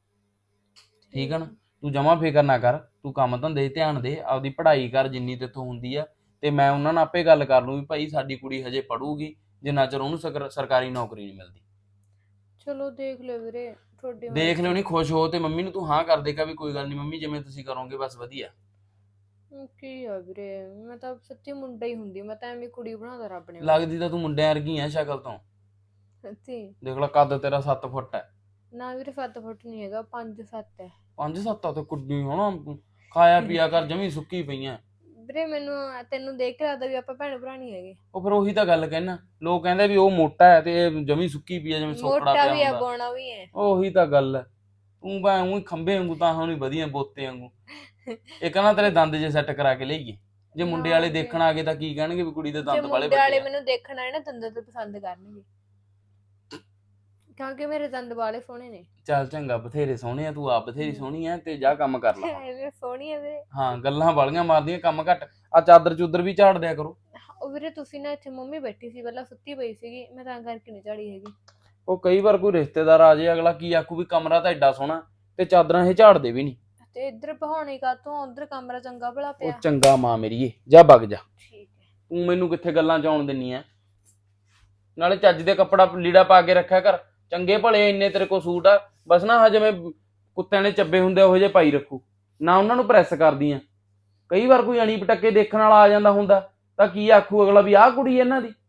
S2: ਠੀਕ ਹੈ ਨਾ। ਤੂੰ ਜਮਾਂ ਫਿਕਰ ਨਾ ਕਰ, ਤੂੰ ਕੰਮ ਧੰਦੇ 'ਤੇ ਧਿਆਨ ਦੇ, ਆਪਦੀ ਪੜ੍ਹਾਈ ਕਰ ਜਿੰਨੀ ਤੇਥੋਂ ਹੁੰਦੀ ਆ, ਤੇ ਮੈਂ ਉਹਨਾਂ ਨਾਲ ਆਪੇ ਗੱਲ ਕਰ ਲੂੰ ਵੀ ਭਾਈ ਸਾਡੀ ਕੁੜੀ ਹਜੇ ਪੜੂਗੀ, ਜਿੰਨਾ ਚਿਰ ਉਹਨੂੰ ਸਰਕਾਰੀ ਨੌਕਰੀ ਨਹੀਂ ਮਿਲਦੀ।
S3: ਚਲੋ ਦੇਖ ਲਿਓ ਵੀਰੇ, ਤੁਹਾਡੀ
S2: ਦੇਖ ਲਿਓ, ਨਹੀਂ ਖੁਸ਼ ਹੋ ਤੇ ਮੰਮੀ ਨੂੰ ਤੂੰ ਹਾਂ ਕਰ ਦੇਗਾ ਵੀ ਕੋਈ ਗੱਲ ਨਹੀਂ ਮੰਮੀ, ਜਿਵੇਂ ਤੁਸੀਂ ਕਰੋਗੇ ਬਸ ਵਧੀਆ।
S3: ਕੀ ਆ ਵੀਰੇ, ਮੈਂ ਤਾਂ ਸੱਚੀ ਮੁੰਡਾ ਹੀ ਹੁੰਦੀ, ਮੈਂ ਤਾਂ ਐਵੇਂ ਕੁੜੀ ਬਣਾਦਾ ਰੱਬ ਨੇ
S2: ਲੱਗਦੀ ਤਾਂ ਤੂੰ ਮੁੰਡਿਆਂ ਵਰਗੀ ਆ ਸ਼ਕਲ ਤੋਂ।
S3: ਸੱਚੀ
S2: ਦੇਖ ਲੈ ਕੱਦ ਤੇਰਾ 7 ਫੁੱਟ ਹੈ।
S3: ਨਾ ਵੀਰੇ 7 ਫੁੱਟ ਨਹੀਂ ਹੈਗਾ, 5-7 ਹੈ।
S2: 5-7 ਤੇ ਕੁੱਡੀ ਹੋਣਾ, ਖਾਇਆ ਪੀਆ ਕਰ, ਜਮੀ ਸੁੱਕੀ ਪਈਆਂ।
S3: ਵੀਰੇ ਮੈਨੂੰ ਤੈਨੂੰ ਦੇਖ ਕੇ ਲੱਗਦਾ ਵੀ ਆਪਾਂ ਭੈਣ ਭਰਾ ਨਹੀਂ ਹੈਗੇ।
S2: ਉਹ ਫਿਰ ਉਹੀ ਤਾਂ ਗੱਲ ਕਹਿਣਾ, ਲੋਕ ਕਹਿੰਦੇ ਵੀ ਉਹ ਮੋਟਾ ਹੈ ਤੇ ਇਹ ਜਮੀ ਸੁੱਕੀ ਪਈ ਹੈ, ਜਿਵੇਂ ਸੋਕੜਾ
S3: ਮੋਟਾ
S2: ਪਿਆ
S3: ਵੀ ਆ,
S2: ਹੁੰਦਾ।
S3: ਬੋਣਾ ਵੀ ਹੈ।
S2: ਉਹੀ ਤਾਂ ਗੱਲ ਹੈ, ਤੂੰ ਬਾ ਉਹੀ ਖੰਭੇ ਵਾਂਗੂ ਤਾਂ ਹੁਣ ਵਧੀਆ ਬੋਤੇ ਵਾਂਗੂ। ਇਹ ਕਹਿੰਦਾ ਤੇਰੇ ਦੰਦ ਜੇ ਸੈੱਟ ਕਰਾ ਕੇ ਲਈਏ, ਜੇ ਮੁੰਡੇ ਵਾਲੇ ਦੇਖਣ ਆ ਗਏ ਤਾਂ ਕੀ ਕਹਿਣਗੇ ਵੀ ਕੁੜੀ ਦੇ
S3: ਜੇ
S2: ਦੰਦ ਵਾਲੇ
S3: ਮੁੰਡੇ ਵਾਲੇ
S2: ਵੱਡੇ ਆ।
S3: ਮੈਨੂੰ ਦੇਖਣ ਆਏ ਨਾ ਦੰਦ ਤੇ ਪਸੰਦ ਕਰਨਗੇ, ਕਿਉਂਕਿ ਮੇਰੇ ਦੰਦ ਵਾਲੇ ਸੋਹਣੇ ਨੇ।
S2: ਚੱਲ ਚੰਗਾ, ਬਥੇਰੇ ਸੋਹਣੇ ਆ, ਤੂੰ ਆਪ ਬਥੇਰੀ ਸੋਹਣੀ ਆ, ਤੇ ਜਾ ਕੰਮ ਕਰ ਲੈ।
S3: ਐਵੇਂ ਸੋਹਣੀ ਆ ਵੀਰੇ।
S2: ਹਾਂ, ਗੱਲਾਂ ਵਾਲੀਆਂ ਮਾਰਦੀਆਂ, ਕੰਮ ਘੱਟ। ਆ ਚਾਦਰ ਚੂਦਰ ਵੀ ਝਾੜ ਦਿਆ ਕਰੋ।
S3: ਉਹ ਵੀਰੇ ਤੁਸੀਂ ਨਾ ਇੱਥੇ ਮੰਮੀ ਬੈਠੀ ਸੀ ਪਹਿਲਾਂ, ਸੁੱਤੀ ਪਈ ਸੀਗੀ, ਮੈਂ ਤਾਂ ਕਰਕੇ ਨਹੀਂ ਝਾੜੀ ਹੈਗੀ।
S2: ਉਹ ਕਈ ਵਾਰ ਕੋਈ ਰਿਸ਼ਤੇਦਾਰ ਆ ਜਾਏ, ਅਗਲਾ ਕੀ ਆਖੂ ਵੀ ਕਮਰਾ ਤਾਂ ਐਡਾ ਸੋਹਣਾ ਤੇ ਚਾਦਰਾਂ ਇਹ ਝਾੜਦੇ ਵੀ ਨਹੀਂ।
S3: ਤੇ ਇੱਧਰ ਬਹਾਉਣੀ ਕਾਤੋਂ, ਉਧਰ ਕਮਰਾ ਚੰਗਾ ਭਲਾ
S2: ਉਹ
S3: ਪਿਆ।
S2: ਚੰਗਾ ਮਾਂ ਮੇਰੀਏ, ਜਾ ਵਗ ਜਾ।
S3: ਠੀਕ ਹੈ।
S2: ਤੂੰ ਮੈਨੂੰ ਕਿੱਥੇ ਗੱਲਾਂ ਚ ਆਉਣ ਦਿੰਨੀ ਐ। ਨਾਲੇ ਚੱਜ ਦੇ ਕੱਪੜਾ ਲੀੜਾ ਪਾ ਕੇ ਰੱਖਿਆ ਕਰ, ਚੰਗੇ ਭਲੇ ਇੰਨੇ ਤੇਰੇ ਕੋਲ ਸੂਟ ਆ, ਬਸ ਨਾ ਆਹ ਜਿਵੇਂ ਕੁੱਤਿਆਂ ਨੇ ਚੱਬੇ ਹੁੰਦੇ ਉਹੋ ਜਿਹੇ ਪਾਈ ਰੱਖੂ, ਨਾ ਉਹਨਾਂ ਨੂੰ ਪ੍ਰੈਸ ਕਰਦੀ ਆ। ਕਈ ਵਾਰ ਕੋਈ ਅਣੀ ਪਟੱਕੇ ਦੇਖਣ ਵਾਲਾ ਆ ਜਾਂਦਾ ਹੁੰਦਾ ਤਾਂ ਕੀ ਆਖੂ ਅਗਲਾ ਵੀ ਆਹ ਕੁੜੀ ਇਹਨਾਂ ਦੀ।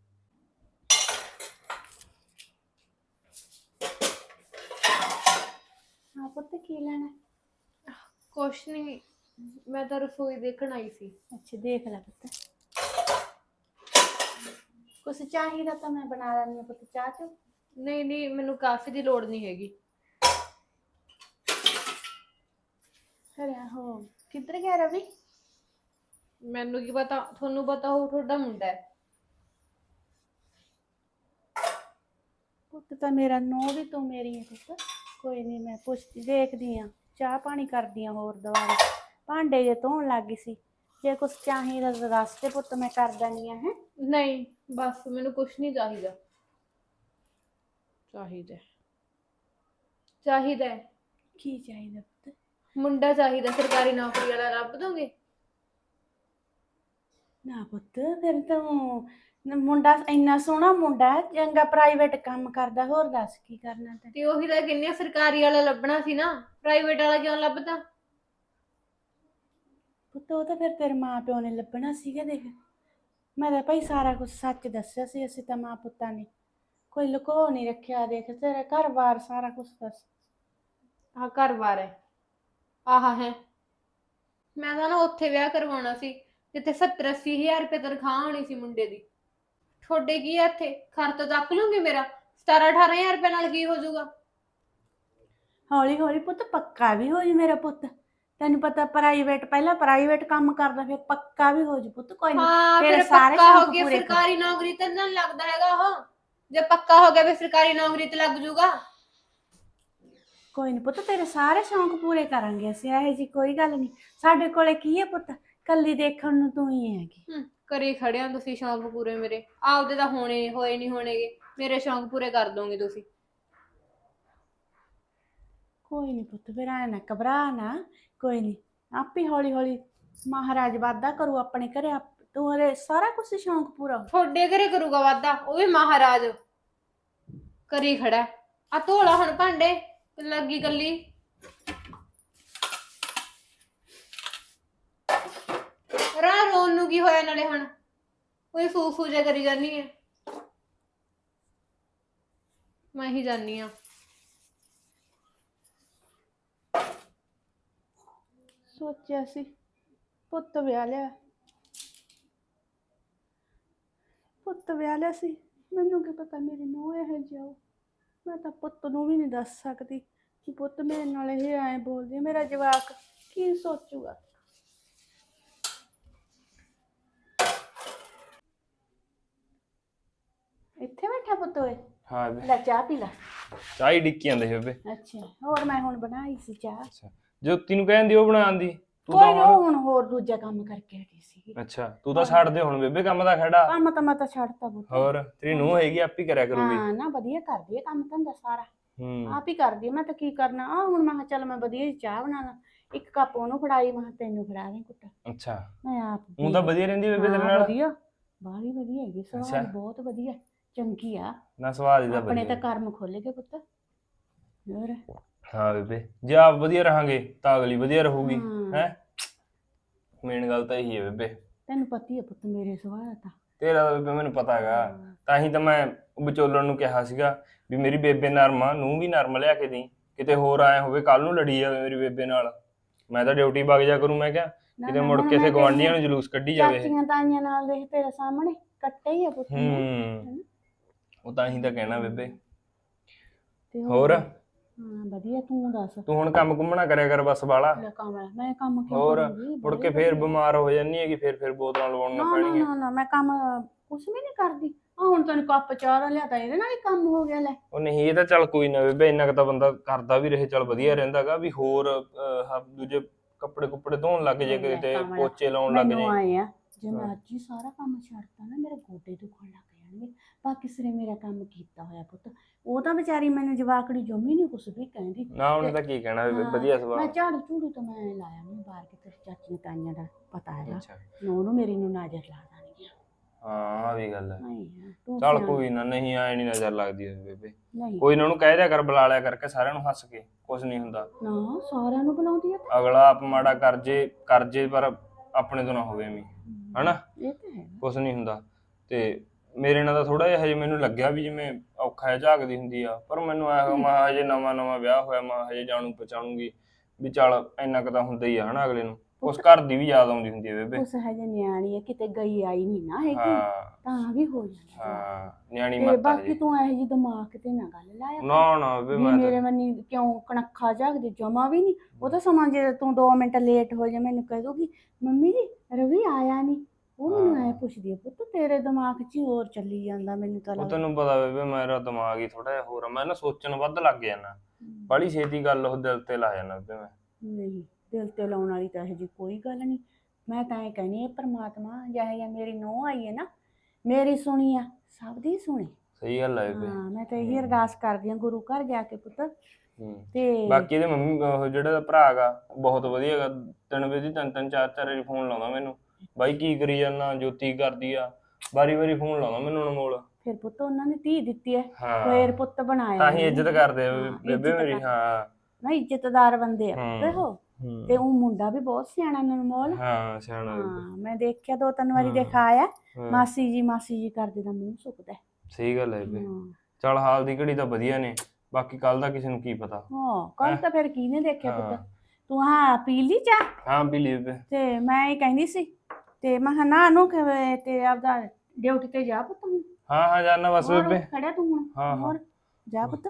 S1: ਹਾਂ ਪੁੱਤ, ਕੀ ਲੈਣਾ?
S3: ਕੁਛ ਨਹੀਂ, ਮੈਂ ਤਾਂ ਰਸੋਈ ਦੇਖਣ ਆਈ ਸੀ।
S1: ਅੱਛਾ, ਦੇਖ ਲੈ ਪੁੱਤ, ਕੁਛ ਚਾਹੀਦਾ ਤਾਂ ਮੈਂ ਬਣਾ ਲੈਂਦੀ ਹਾਂ ਪੁੱਤ, ਚਾਹ ਚੋ।
S3: ਨਹੀਂ ਨਹੀਂ, ਮੈਨੂੰ ਕਾਫੀ ਦੀ ਲੋੜ ਨਹੀਂ ਹੈਗੀ।
S1: ਅਰੇ ਹੋ, ਕਿੱਧਰ ਗਿਆ ਰਵੀ?
S3: ਮੈਨੂੰ ਕੀ ਪਤਾ, ਤੁਹਾਨੂੰ ਪਤਾ ਹੋਊ, ਤੁਹਾਡਾ ਮੁੰਡਾ ਹੈ।
S1: ਪੁੱਤ ਤਾਂ ਮੇਰਾ ਨੋ ਵੀ ਤੂੰ ਮੇਰੀ ਹੈ ਪੁੱਤ, ਕੋਈ ਨਹੀਂ, ਮੈਂ ਪੁੱਛਦੀ ਦੇਖਦੀ ਆ, ਚਾਹ ਪਾਣੀ ਕਰਦੀ ਆ, ਹੋਰ ਦੁਬਾਰਾ ਭਾਂਡੇ ਜੇ ਧੋਣ ਲੱਗ ਗਈ ਸੀ, ਜੇ ਕੁਛ ਚਾਹੀਦਾ ਤਾਂ ਦੱਸ ਦੇ ਪੁੱਤ, ਮੈਂ ਕਰ ਦਿੰਦੀ ਆ। ਹੈ
S3: ਨਹੀਂ ਬਸ ਮੈਨੂੰ ਕੁਛ ਨਹੀਂ ਚਾਹੀਦਾ। ਚਾਹੀਦਾ ਚਾਹੀਦਾ
S1: ਕੀ ਚਾਹੀਦਾ ਪੁੱਤ?
S3: ਮੁੰਡਾ ਚਾਹੀਦਾ, ਸਰਕਾਰੀ ਨੌਕਰੀ ਵਾਲਾ ਲੱਭ ਦੋਗੇ?
S1: ਨਾ ਪੁੱਤ, ਫਿਰ ਤੂੰ ਮੁੰਡਾ ਇੰਨਾ ਸੋਹਣਾ ਮੁੰਡਾ ਹੈ, ਚੰਗਾ ਪ੍ਰਾਈਵੇਟ ਕੰਮ ਕਰਦਾ, ਹੋਰ ਦੱਸ ਕੀ ਕਰਨਾ ਤੇ?
S3: ਤੇ ਉਹੀ ਤਾਂ ਕਿੰਨੇ ਸਰਕਾਰੀ ਵਾਲਾ ਲੱਭਣਾ ਸੀ ਨਾ, ਪ੍ਰਾਈਵੇਟ ਵਾਲਾ ਕਿਉਂ ਲੱਭਦਾ?
S1: ਪੁੱਤ ਉਹ ਤਾਂ ਫਿਰ ਤੇਰੇ ਮਾਂ ਪਿਓ ਨੇ ਲੱਭਣਾ ਸੀਗਾ। ਦੇਖ, ਮੈਂ ਤਾਂ ਭਾਈ ਸਾਰਾ ਕੁਝ ਸੱਚ ਦੱਸਿਆ ਸੀ, ਅਸੀਂ ਤਾਂ ਮਾਂ ਪੁੱਤਾਂ ਨੇ ਕੋਈ ਲੁਕੋ ਨਹੀਂ ਰੱਖਿਆ। ਦੇਖ, ਤੇਰਾ ਘਰ-ਬਾਰ ਸਾਰਾ ਕੁਝ ਦੱਸ।
S3: ਆਹ ਘਰ-ਬਾਰ ਹੈ, ਆਹ ਹੈ। ਮੈਂ ਤਾਂ ਨਾ ਉੱਥੇ ਵਿਆਹ ਕਰਵਾਉਣਾ ਸੀ ਜਿੱਥੇ 70-80 ਹਜ਼ਾਰ ਰੁਪਏ ਤਨਖਾਹ ਹੋਣੀ ਸੀ ਮੁੰਡੇ ਦੀ। ਤੁਹਾਡੇ ਕੀ ਆ ਇੱਥੇ, ਖਰਚਾ ਚੱਕ ਲੂੰਗੀ ਮੇਰਾ 17-18 ਹਜ਼ਾਰ ਰੁਪਏ ਨਾਲ ਕੀ ਹੋ ਜਾਊਗਾ?
S1: ਹੌਲੀ ਹੌਲੀ ਪੁੱਤ ਪੱਕਾ ਵੀ ਹੋ ਜੀ ਮੇਰਾ ਪੁੱਤ, ਤੈਨੂੰ ਪਤਾ ਪ੍ਰਾਈਵੇਟ, ਪਹਿਲਾਂ ਪ੍ਰਾਈਵੇਟ ਕੰਮ ਕਰਦਾ, ਫਿਰ ਪੱਕਾ ਵੀ ਹੋ ਜੀ ਪੁੱਤ। ਕੋਈ ਨਹੀਂ,
S3: ਹਾਂ
S1: ਤੇਰੇ
S3: ਫਿਰ
S1: ਸਾਰੇ
S3: ਪੱਕਾ ਹੋ
S1: ਸ਼ੌਕ
S3: ਗਿਆ,
S1: ਪੂਰੇ ਕਰ।
S3: ਸਰਕਾਰੀ ਨੌਕਰੀ ਤੇ ਨਾ ਲੱਗਦਾ ਹੈਗਾ ਉਹ। ਜੇ ਪੱਕਾ ਹੋ ਗਿਆ ਫਿਰ ਸਰਕਾਰੀ ਨੌਕਰੀ ਤੇ ਲੱਗ ਜਾਊਗਾ।
S1: ਕੋਈ ਨਹੀਂ ਪੁੱਤ, ਤੇਰੇ ਸਾਰੇ ਸ਼ੌਂਕ ਪੂਰੇ ਕਰਾਂਗੇ ਅਸੀਂ, ਇਹੋ ਜੀ ਕੋਈ ਗੱਲ ਨਹੀਂ। ਸਾਡੇ ਕੋਲੇ ਕੀ ਹੈ ਪੁੱਤ, ਕੱਲੀ ਦੇਖਣ ਨੂੰ ਤੂੰ ਹੀ ਹੈਗੀ।
S3: ਕਰੀ ਖੜਿਆ ਤੁਸੀਂ ਸ਼ੌਂਕ ਪੂਰੇ ਮੇਰੇ, ਆਪਦੇ ਤਾਂ ਹੋਣੇ ਹੋਏ ਨਹੀਂ ਹੋਣੇਗੇ, ਮੇਰੇ ਸ਼ੌਂਕ ਪੂਰੇ ਕਰ ਦੋਗੇ ਤੁਸੀਂ।
S1: ਕੋਈ ਨਹੀਂ ਪੁੱਤ, ਫਿਰ ਐ ਨਾ ਘਬਰਾ ਨਾ, ਕੋਈ ਨਹੀਂ, ਆਪੇ ਹੌਲੀ ਹੌਲੀ ਮਹਾਰਾਜ ਵਾਧਾ ਕਰੂ ਆਪਣੇ ਘਰੇ, ਤੂੰ ਹਰੇ ਸਾਰਾ ਕੁਝ ਸ਼ੌਂਕ ਪੂਰਾ ਹੋ।
S3: ਤੁਹਾਡੇ ਘਰੇ ਕਰੂਗਾ ਵਾਧਾ, ਉਹ ਵੀ ਮਹਾਰਾਜ ਕਰੀ ਖੜਾ। ਆ ਧੋਲਾ ਹੁਣ ਭਾਂਡੇ, ਲੱਗੀ ਗੱਲੀ। ਰਾਹ ਰੋਣ ਨੂੰ ਕੀ ਹੋਇਆ, ਨਾਲੇ ਹੁਣ ਕੋਈ ਫੂ ਜੇ ਕਰੀ ਜਾਨੀ ਹੈ, ਮੈਂ ਹੀ ਜਾਨੀ ਆ।
S1: ਸੋਚਿਆ ਸੀ ਪੁੱਤ ਵਿਆਹ ਲਿਆ, ਪੁੱਤ ਵਿਆਹ ਲਿਆ ਸੀ, ਮੈਨੂੰ ਕੀ ਪਤਾ ਮੇਰੀ ਨੂੰਹ ਇਹੋ ਜਿਹੀ ਆਊ। ਮੈਂ ਤਾਂ ਪੁੱਤ ਨੂੰ ਵੀ ਨਹੀਂ ਦੱਸ ਸਕਦੀ ਕਿ ਪੁੱਤ ਮੇਰੇ ਨਾਲ ਇਹ ਐਂ ਬੋਲਦੀ ਹੈ, ਮੇਰਾ ਜਵਾਕ ਕੀ ਸੋਚੂਗਾ। ਇੱਥੇ ਬੈਠਾ ਪੁੱਤ ਓਏ,
S4: ਹਾਂ
S1: ਲੈ ਚਾਹ ਪੀ ਲੈ।
S4: ਚਾਹ ਹੀ ਡਿੱਕੀ ਜਾਂਦੇ ਸੀ ਬੇਬੇ।
S1: ਅੱਛਾ, ਹੋਰ ਮੈਂ ਹੁਣ ਬਣਾਈ ਸੀ ਚਾਹ।
S4: ਅੱਛਾ, ਜੋਤੀ ਨੂੰ ਕਹਿੰਦੀ ਉਹ ਬਣਾਉਣ ਦੀ, ਤੂੰ
S1: ਕੋਈ
S4: ਤਾਂ
S1: ਨਾ, ਹੁਣ ਹੋਰ ਦੂਜਾ ਕੰਮ ਕਰਕੇ ਹਟੀ ਸੀ।
S4: ਅੱਛਾ, ਤੂੰ ਤਾਂ ਛੱਡ ਦੇ ਹੁਣ ਬੇਬੇ ਕੰਮ ਦਾ ਖੜਾ।
S1: ਕੰਮ ਤਾਂ ਮੈਂ ਤਾਂ ਛੱਡਤਾ ਪੁੱਤ।
S4: ਹੋਰ ਤੇਰੀ ਨੂੰਹ ਹੈਗੀ, ਆਪੀ ਕਰਿਆ ਕਰੂਗੀ।
S1: ਹਾਂ ਨਾ, ਵਧੀਆ ਕਰਦੀ ਹੈ ਕੰਮ ਧੰਦਾ ਸਾਰਾ,
S4: ਹੂੰ,
S1: ਆਪ ਹੀ ਕਰਦੀ ਹੈ। ਮੈਂ ਤਾਂ ਕੀ ਕਰਨਾ ਆ, ਹੁਣ ਮੈਂ ਕਿਹਾ ਚੱਲ ਮੈਂ ਵਧੀਆ ਜਿਹੀ ਚਾਹ ਬਣਾ ਲਾਂ, ਇੱਕ ਕੱਪ ਉਹਨੂੰ ਫੜਾਈ, ਮੈਂ ਕਿਹਾ ਤੈਨੂੰ ਫੜਾ ਦੇ ਕੁੱਟ।
S4: ਅੱਛਾ,
S1: ਮੈਂ ਆਪ
S4: ਉਹ ਤਾਂ ਵਧੀਆ ਰਹਿੰਦੀ ਬੇਬੇ ਤੇਰੇ ਨਾਲ।
S1: ਵਧੀਆ, ਬਾਹਲੀ ਵਧੀਆ ਹੈਗੀ,
S4: ਅੱਛਾ।
S1: ਸੁਭਾਅ ਬਹੁਤ ਵਧੀਆ, ਚੰਗੀ ਆ।
S4: ਨਾ ਸਵਾਦ ਇਹਦਾ
S1: ਆਪਣੇ ਤਾਂ
S4: ਵਧੀਆ।
S1: ਕਰਮ ਖੁੱਲ ਗਏ ਪੁੱਤ। ਹੋਰ
S4: ਹਾਂ ਬੇਬੇ, ਜੇ ਆਪ ਵਧੀਆ ਰਹਾਂਗੇ ਤਾਂ ਅਗਲੀ ਵਧੀਆ ਰਹੂਗੀ
S1: ਹਾਂ।
S4: ਹੈ। ਮੇਨ ਗੱਲ ਤਾਂ ਇਹੀ ਹੈ ਬੇਬੇ।
S1: ਤੈਨੂੰ ਪਤਾ ਹੀ ਹੈ ਪੁੱਤ ਮੇਰੇ ਸੁਭਾਅ ਦਾ ਤਾਂ।
S4: ਤੇਰਾ ਤਾਂ ਬੇਬੇ ਮੈਨੂੰ ਪਤਾ ਹੈਗਾ,
S1: ਹਾਂ।
S4: ਤਾਂ ਹੀ ਤਾਂ ਮੈਂ ਵਿਚੋਲਣ ਨੂੰ ਕਿਹਾ ਸੀਗਾ ਵੀ ਮੇਰੀ ਬੇਬੇ ਨਰਮ ਆ, ਨੂੰ ਵੀ ਨਰਮ ਲਿਆ ਕੇ ਦੇਈਂ, ਕਿਤੇ ਹੋਰ ਆਏ ਹੋਵੇ ਕੱਲ ਨੂੰ ਲੜੀ ਜਾਵੇ ਮੇਰੀ ਬੇਬੇ ਨਾਲ। ਮੈਂ ਤਾਂ ਡਿਊਟੀ ਵਗ ਜਾ ਕਰੂੰ, ਮੈਂ ਕਿਹਾ
S1: ਨਾ
S4: ਕਿਤੇ
S1: ਨਾ
S4: ਮੁੜ
S1: ਹੁਣ
S4: ਕੇ
S1: ਮੈਂ
S4: ਇੱਥੇ ਗਵਾਂਢੀਆਂ
S1: ਤੇਰੀਆਂ
S4: ਨੂੰ ਜਲੂਸ ਕੱਢੀ ਜਾਵੇ ਇਹ।
S1: ਚਾਚੀਆਂ ਤਾਈਆਂ ਨਾਲ ਦੇਖ ਤੇਰੇ ਸਾਹਮਣੇ ਕੱਟੇ ਹੀ ਆ ਪੁੱਤ ਨੇ।
S4: ਹੂੰ, ਉਹ ਤਾਂ ਹੀ ਤਾਂ ਕਹਿਣਾ ਬੇਬੇ।
S1: ਤੇ
S4: ਹੋਰ
S1: ਹਾਂ ਵਧੀਆ, ਤੂੰ ਦੱਸ।
S4: ਤੂੰ ਹੁਣ ਕੰਮ ਕੁੰਮਣਾ ਕਰਿਆ ਕਰ ਬਸ ਬਾਲਾ।
S1: ਲੈ ਕੰਮ ਮੈਂ ਕੰਮ ਕਿਉਂ
S4: ਹੋਰ
S1: ਕਰੂੰਗੀ?
S4: ਮੁੜ ਕੇ ਫੇਰ ਬਿਮਾਰ ਹੋ ਜਾਂਦੀ ਹੈਗੀ, ਫੇਰ ਬੋਤਲਾਂ ਲਵਾਉਣੀਆਂ
S1: ਨਾ ਨਾ
S4: ਪੈਣਗੀਆਂ।
S1: ਨਾ ਨਾ ਮੈਂ ਕੰਮ ਕੁਛ ਵੀ ਨਹੀਂ ਕਰਦੀ। ਆ ਹੁਣ ਤੈਨੂੰ ਕੱਪ ਚਾਹ ਦਾ ਲਿਆਤਾ, ਇਹਦੇ ਨਾਲ ਹੀ ਕੰਮ ਹੋ ਗਿਆ ਲੈ।
S4: ਉਹ ਨਹੀਂ, ਇਹ ਤਾਂ ਚੱਲ ਕੋਈ ਨਾ ਬੇਬੇ, ਇੰਨਾ ਕੁ ਤਾਂ ਬੰਦਾ ਕਰਦਾ ਵੀ ਰਹੇ, ਚੱਲ ਵਧੀਆ ਰਹਿੰਦਾਗਾ ਵੀ। ਹੋਰ ਦੂਜੇ ਕੱਪੜੇ ਕੁੱਪੜੇ ਧੋਣ ਲੱਗ ਜੇ ਕਿਤੇ, ਪੋਚੇ ਲਾਉਣ ਲੱਗ
S1: ਮੈਨੂੰ
S4: ਜੇ।
S1: ਆਏ ਆ ਜੇ ਮੈਂ ਅੱਜ ਹੀ ਸਾਰਾ ਕੰਮ ਛੱਡਤਾ ਨਾ ਮੇਰੇ ਗੋਡੇ ਦੁਖਣ ਲੱਗ ਜਾਣਗੇ। ਬਾਕੀ ਸਿਰੇ ਮੇਰਾ ਕੰਮ ਕੀਤਾ ਹੋਇਆ ਪੁੱਤ। ਉਹ ਤਾਂ ਵਿਚਾਰੀ ਮੈਨੂੰ ਜਵਾਕੜੀ ਜੰਮੀ ਨਹੀਂ ਕੁਛ ਵੀ ਕਹਿੰਦੀ।
S4: ਨਾ ਉਹਨੇ ਤਾਂ ਕੀ ਕਹਿਣਾ ਬੇਬੇ,
S1: ਹਾਂ,
S4: ਵਧੀਆ
S1: ਮੈਂ
S4: ਸੁਭਾਅ।
S1: ਝਾੜੂ ਝੂੜੂ ਤਾਂ ਮੈਂ ਲਾਇਆ ਨਹੀਂ ਬਾਹਰ ਕੇ, ਤੇਰੀ ਚਾਚੀ ਤਾਈਆਂ ਦਾ ਪਤਾ ਹੈਗਾ।
S4: ਅੱਛਾ,
S1: ਉਹਨੂੰ ਮੇਰੀ ਨੂੰ ਨਜ਼ਰ ਲਾ ਦੇਣਗੀਆਂ।
S4: ਹਾਂ ਆ ਵੀ ਗੱਲ ਹੈ।
S1: ਨਹੀਂ ਤੂੰ
S4: ਚੱਲ
S1: ਸਿਆਣਾ।
S4: ਕੋਈ ਨਾ, ਨਹੀਂ ਆਏ ਨਹੀਂ ਨਜ਼ਰ ਲੱਗਦੀ ਉਹਦੀ ਬੇਬੇ।
S1: ਨਹੀਂ
S4: ਕੋਈ ਨਾ, ਉਹਨੂੰ ਕਹਿ ਦਿਆ ਕਰ, ਬੁਲਾ ਲਿਆ ਕਰਕੇ ਸਾਰਿਆਂ ਨੂੰ ਹੱਸ ਕੇ, ਕੁਛ ਨਹੀਂ ਹੁੰਦਾ।
S1: ਨਾ ਸਾਰਿਆਂ ਨੂੰ ਬੁਲਾਉਂਦੀ ਆ ਤਾਂ।
S4: ਅਗਲਾ ਆਪ ਮਾੜਾ ਕਰ ਜੇ ਪਰ ਆਪਣੇ ਤੋਂ ਨਾ ਹੋਵੇ ਐਵੇਂ, ਹਨਾ।
S1: ਇਹ ਤਾਂ ਹੈ।
S4: ਕੁਛ ਨਹੀਂ ਹੁੰਦਾ। ਤੇ ਮੇਰੇ ਨਾਲ ਤਾਂ ਥੋੜਾ ਜਿਹਾ ਹਜੇ ਮੈਨੂੰ ਲੱਗਿਆ ਵੀ ਜਿਵੇਂ ਔਖਾ ਜਿਹਾ ਝਾਕਦੀ ਹੁੰਦੀ ਆ, ਪਰ ਮੈਨੂੰ ਆਇਆ ਮੈਂ ਹਜੇ ਨਵਾਂ ਵਿਆਹ ਹੋਇਆ, ਮੈਂ ਹਜੇ ਜਾਣੂ ਪਛਾਣੂਗੀ ਵੀ ਚੱਲ ਇੰਨਾ ਕੁ ਤਾਂ ਹੁੰਦਾ ਹੀ ਆ ਹਨਾ ਅਗਲੇ ਨੂੰ। ਉਸ ਘਰ ਦੀ ਵੀ ਯਾਦ ਆਉਂਦੀ ਹੁੰਦੀ ਹੈ ਬੇਬੇ।
S1: ਉਸ ਹਜੇ ਨਿਆਣੀ ਹੈ, ਕਿਤੇ ਗਈ ਆਈ ਨਹੀਂ ਨਾ ਹੈਗੀ,
S4: ਹਾਂ
S1: ਤਾਂ ਵੀ ਹੋ ਜਾਂਦਾ।
S4: ਹਾਂ, ਨਿਆਣੀ
S1: ਤੇ
S4: ਮੱਤ
S1: ਬਾਕੀ
S4: ਹਜੇ।
S1: ਤੂੰ ਇਹੋ ਜਿਹੀ ਦਿਮਾਗ ਤੇ ਨਾ ਗੱਲ ਲਾਇਆ ਕਰ।
S4: ਨਾ ਬੇਬੇ,
S1: ਵੀ
S4: ਮੈਂ
S1: ਮੇਰੇ
S4: ਤਾਂ
S1: ਮੰਨੀ ਕਿਉਂ ਕਣਖਾ ਝਾਕਦੇ, ਜਮਾ ਵੀ ਨਹੀਂ। ਉਹ ਤਾਂ ਸਮਾਂ ਜੇ ਤੂੰ 2 ਮਿੰਟ ਲੇਟ ਹੋ ਜਾ ਮੈਨੂੰ ਕਹਿ ਦੂਗੀ ਮੰਮੀ ਜੀ ਰਵੀ ਆਇਆ ਨਹੀਂ। ਉਹ ਮੈਨੂੰ ਐ ਪੁੱਛਦੀ ਆ ਪੁੱਤ ਤੇਰੇ ਦਿਮਾਗ 'ਚ ਹੀ ਹੋਰ ਚੱਲੀ ਜਾਂਦਾ, ਮੈਨੂੰ ਤਾਂ
S4: ਉਹ
S1: ਲੱਗਦਾ।
S4: ਤੈਨੂੰ ਪਤਾ ਬੇਬੇ, ਮੇਰਾ ਦਿਮਾਗ ਹੀ ਥੋੜਾ ਜਿਹਾ ਹੋਰ ਆ, ਮੈਂ ਨਾ ਸੋਚਣ ਵੱਧ ਲੱਗ ਜਾਣਾ। ਬੜੀ ਛੇਤੀ ਗੱਲ ਉਹ ਦਿਲ ਤੇ ਲਾ ਜਾਣਾ ਬੇਬੇ ਮੈਂ।
S1: ਨਹੀਂ ਦਿਲ ਤੇ ਲਾਉਣ ਵਾਲੀ ਤਾਂ ਇਹੋ ਜਿਹੀ ਕੋਈ ਗੱਲ ਨਹੀਂ। ਮੈਂ ਤਾਂ ਇਹ ਕਹਿੰਦੀ ਹਾਂ ਪ੍ਰਮਾਤਮਾ ਜਿਹੋ ਜਿਹਾ ਮੇਰੀ ਨੂੰਹ ਆਈ ਹੈ ਨਾ, ਮੇਰੀ ਸੁਣੀ ਆ ਸਭ ਦੀ ਸੁਣੇ।
S4: ਸਹੀ ਗੱਲ ਹੈ ਬੇਬੇ।
S1: ਹਾਂ ਮੈਂ ਤਾਂ ਇਹੀ ਅਰਦਾਸ ਕਰਦੀ ਹਾਂ ਗੁਰੂ ਘਰ ਜਾ ਕੇ ਪੁੱਤ। ਤੇ
S4: ਬਾਕੀ ਇਹਦੇ ਮੰਮੀ ਉਹ ਜਿਹੜਾ ਇਹਦਾ ਭਰਾ ਗਾ ਬਹੁਤ ਵਧੀਆ ਗਾ, ਦਿਨ ਵਿੱਚ ਹੀ 3-3 4-4 ਵਾਰੀ ਫੋਨ ਲਾਉਂਦਾ ਮੈਨੂੰ, ਬਾਈ ਕੀ ਕਰੀ ਜਾਂਦਾ, ਜੋਤੀ ਕਰਦੀ ਆ, ਵਾਰੀ ਫੋਨ ਲਾਉਂਦਾ ਮੈਨੂੰ ਅਨਮੋਲ।
S1: ਫਿਰ ਪੁੱਤ ਉਹਨਾਂ ਨੇ ਧੀ ਦਿੱਤੀ ਹੈ,
S4: ਹਾਂ
S1: ਫੇਰ ਪੁੱਤ ਬਣਾਇਆ
S4: ਤਾਂ ਹੀ ਇੱਜ਼ਤ ਕਰਦੇ ਆ
S1: ਹਾਂ,
S4: ਬੇਬੇ
S1: ਇੱਜ਼ਤ
S4: ਮੇਰੀ।
S1: ਕਰਦੇ।
S4: ਹਾਂ
S1: ਨਾ ਇੱਜ਼ਤਦਾਰ ਬੰਦੇ ਆ ਪੁੱਤ ਉਹ। ਤੇ
S4: ਹੂੰ,
S1: ਉਹ ਮੁੰਡਾ ਵੀ ਬਹੁਤ ਸਿਆਣਾ ਅਨਮੋਲ।
S4: ਹਾਂ ਸਿਆਣਾ ਬੇਬੇ।
S1: ਹਾਂ ਮੈਂ ਦੇਖਿਆ 2-3 ਵਾਰੀ
S4: ਹਾਂ,
S1: ਦਿਖਾਇਆ।
S4: ਹਾਂ,
S1: ਮਾਸੀ ਜੀ ਕਰਦੇ ਦਾ ਮੂੰਹ ਸੁੱਕਦਾ।
S4: ਸਹੀ ਗੱਲ ਹੈ ਬੇਬੇ।
S1: ਹਾਂ
S4: ਚੱਲ ਹਾਲ ਦੀ ਘੜੀ ਤਾਂ ਵਧੀਆ ਨੇ, ਬਾਕੀ ਕੱਲ ਦਾ ਕਿਸੇ ਨੂੰ ਕੀ ਪਤਾ।
S1: ਹਾਂ ਕੱਲ ਤਾਂ ਫਿਰ ਕਿਹਨੇ ਦੇਖਿਆ
S4: ਹਾਂ।
S1: ਪੁੱਤ। ਤੂੰ ਹਾਂ ਪੀ ਲਈ ਚਾਹ?
S4: ਹਾਂ ਪੀ ਲਈ ਬੇਬੇ।
S1: ਤੇ ਮੈਂ ਇਹ ਕਹਿੰਦੀ ਸੀ ਤੇ ਮੈਂ ਕਿਹਾ ਨਾ ਨੂੰ ਤੇ ਆਪਦਾ ਡਿਊਟੀ ਤੇ ਜਾ ਪੁੱਤ ਹੁਣ।
S4: ਹਾਂ ਜਾਨਾ ਬਸ
S1: ਹੋਰ
S4: ਬੇਬੇ।
S1: ਖੜਿਆ ਤੂੰ ਹੁਣ?
S4: ਹਾਂ
S1: ਹੋਰ ਜਾ ਪੁੱਤ।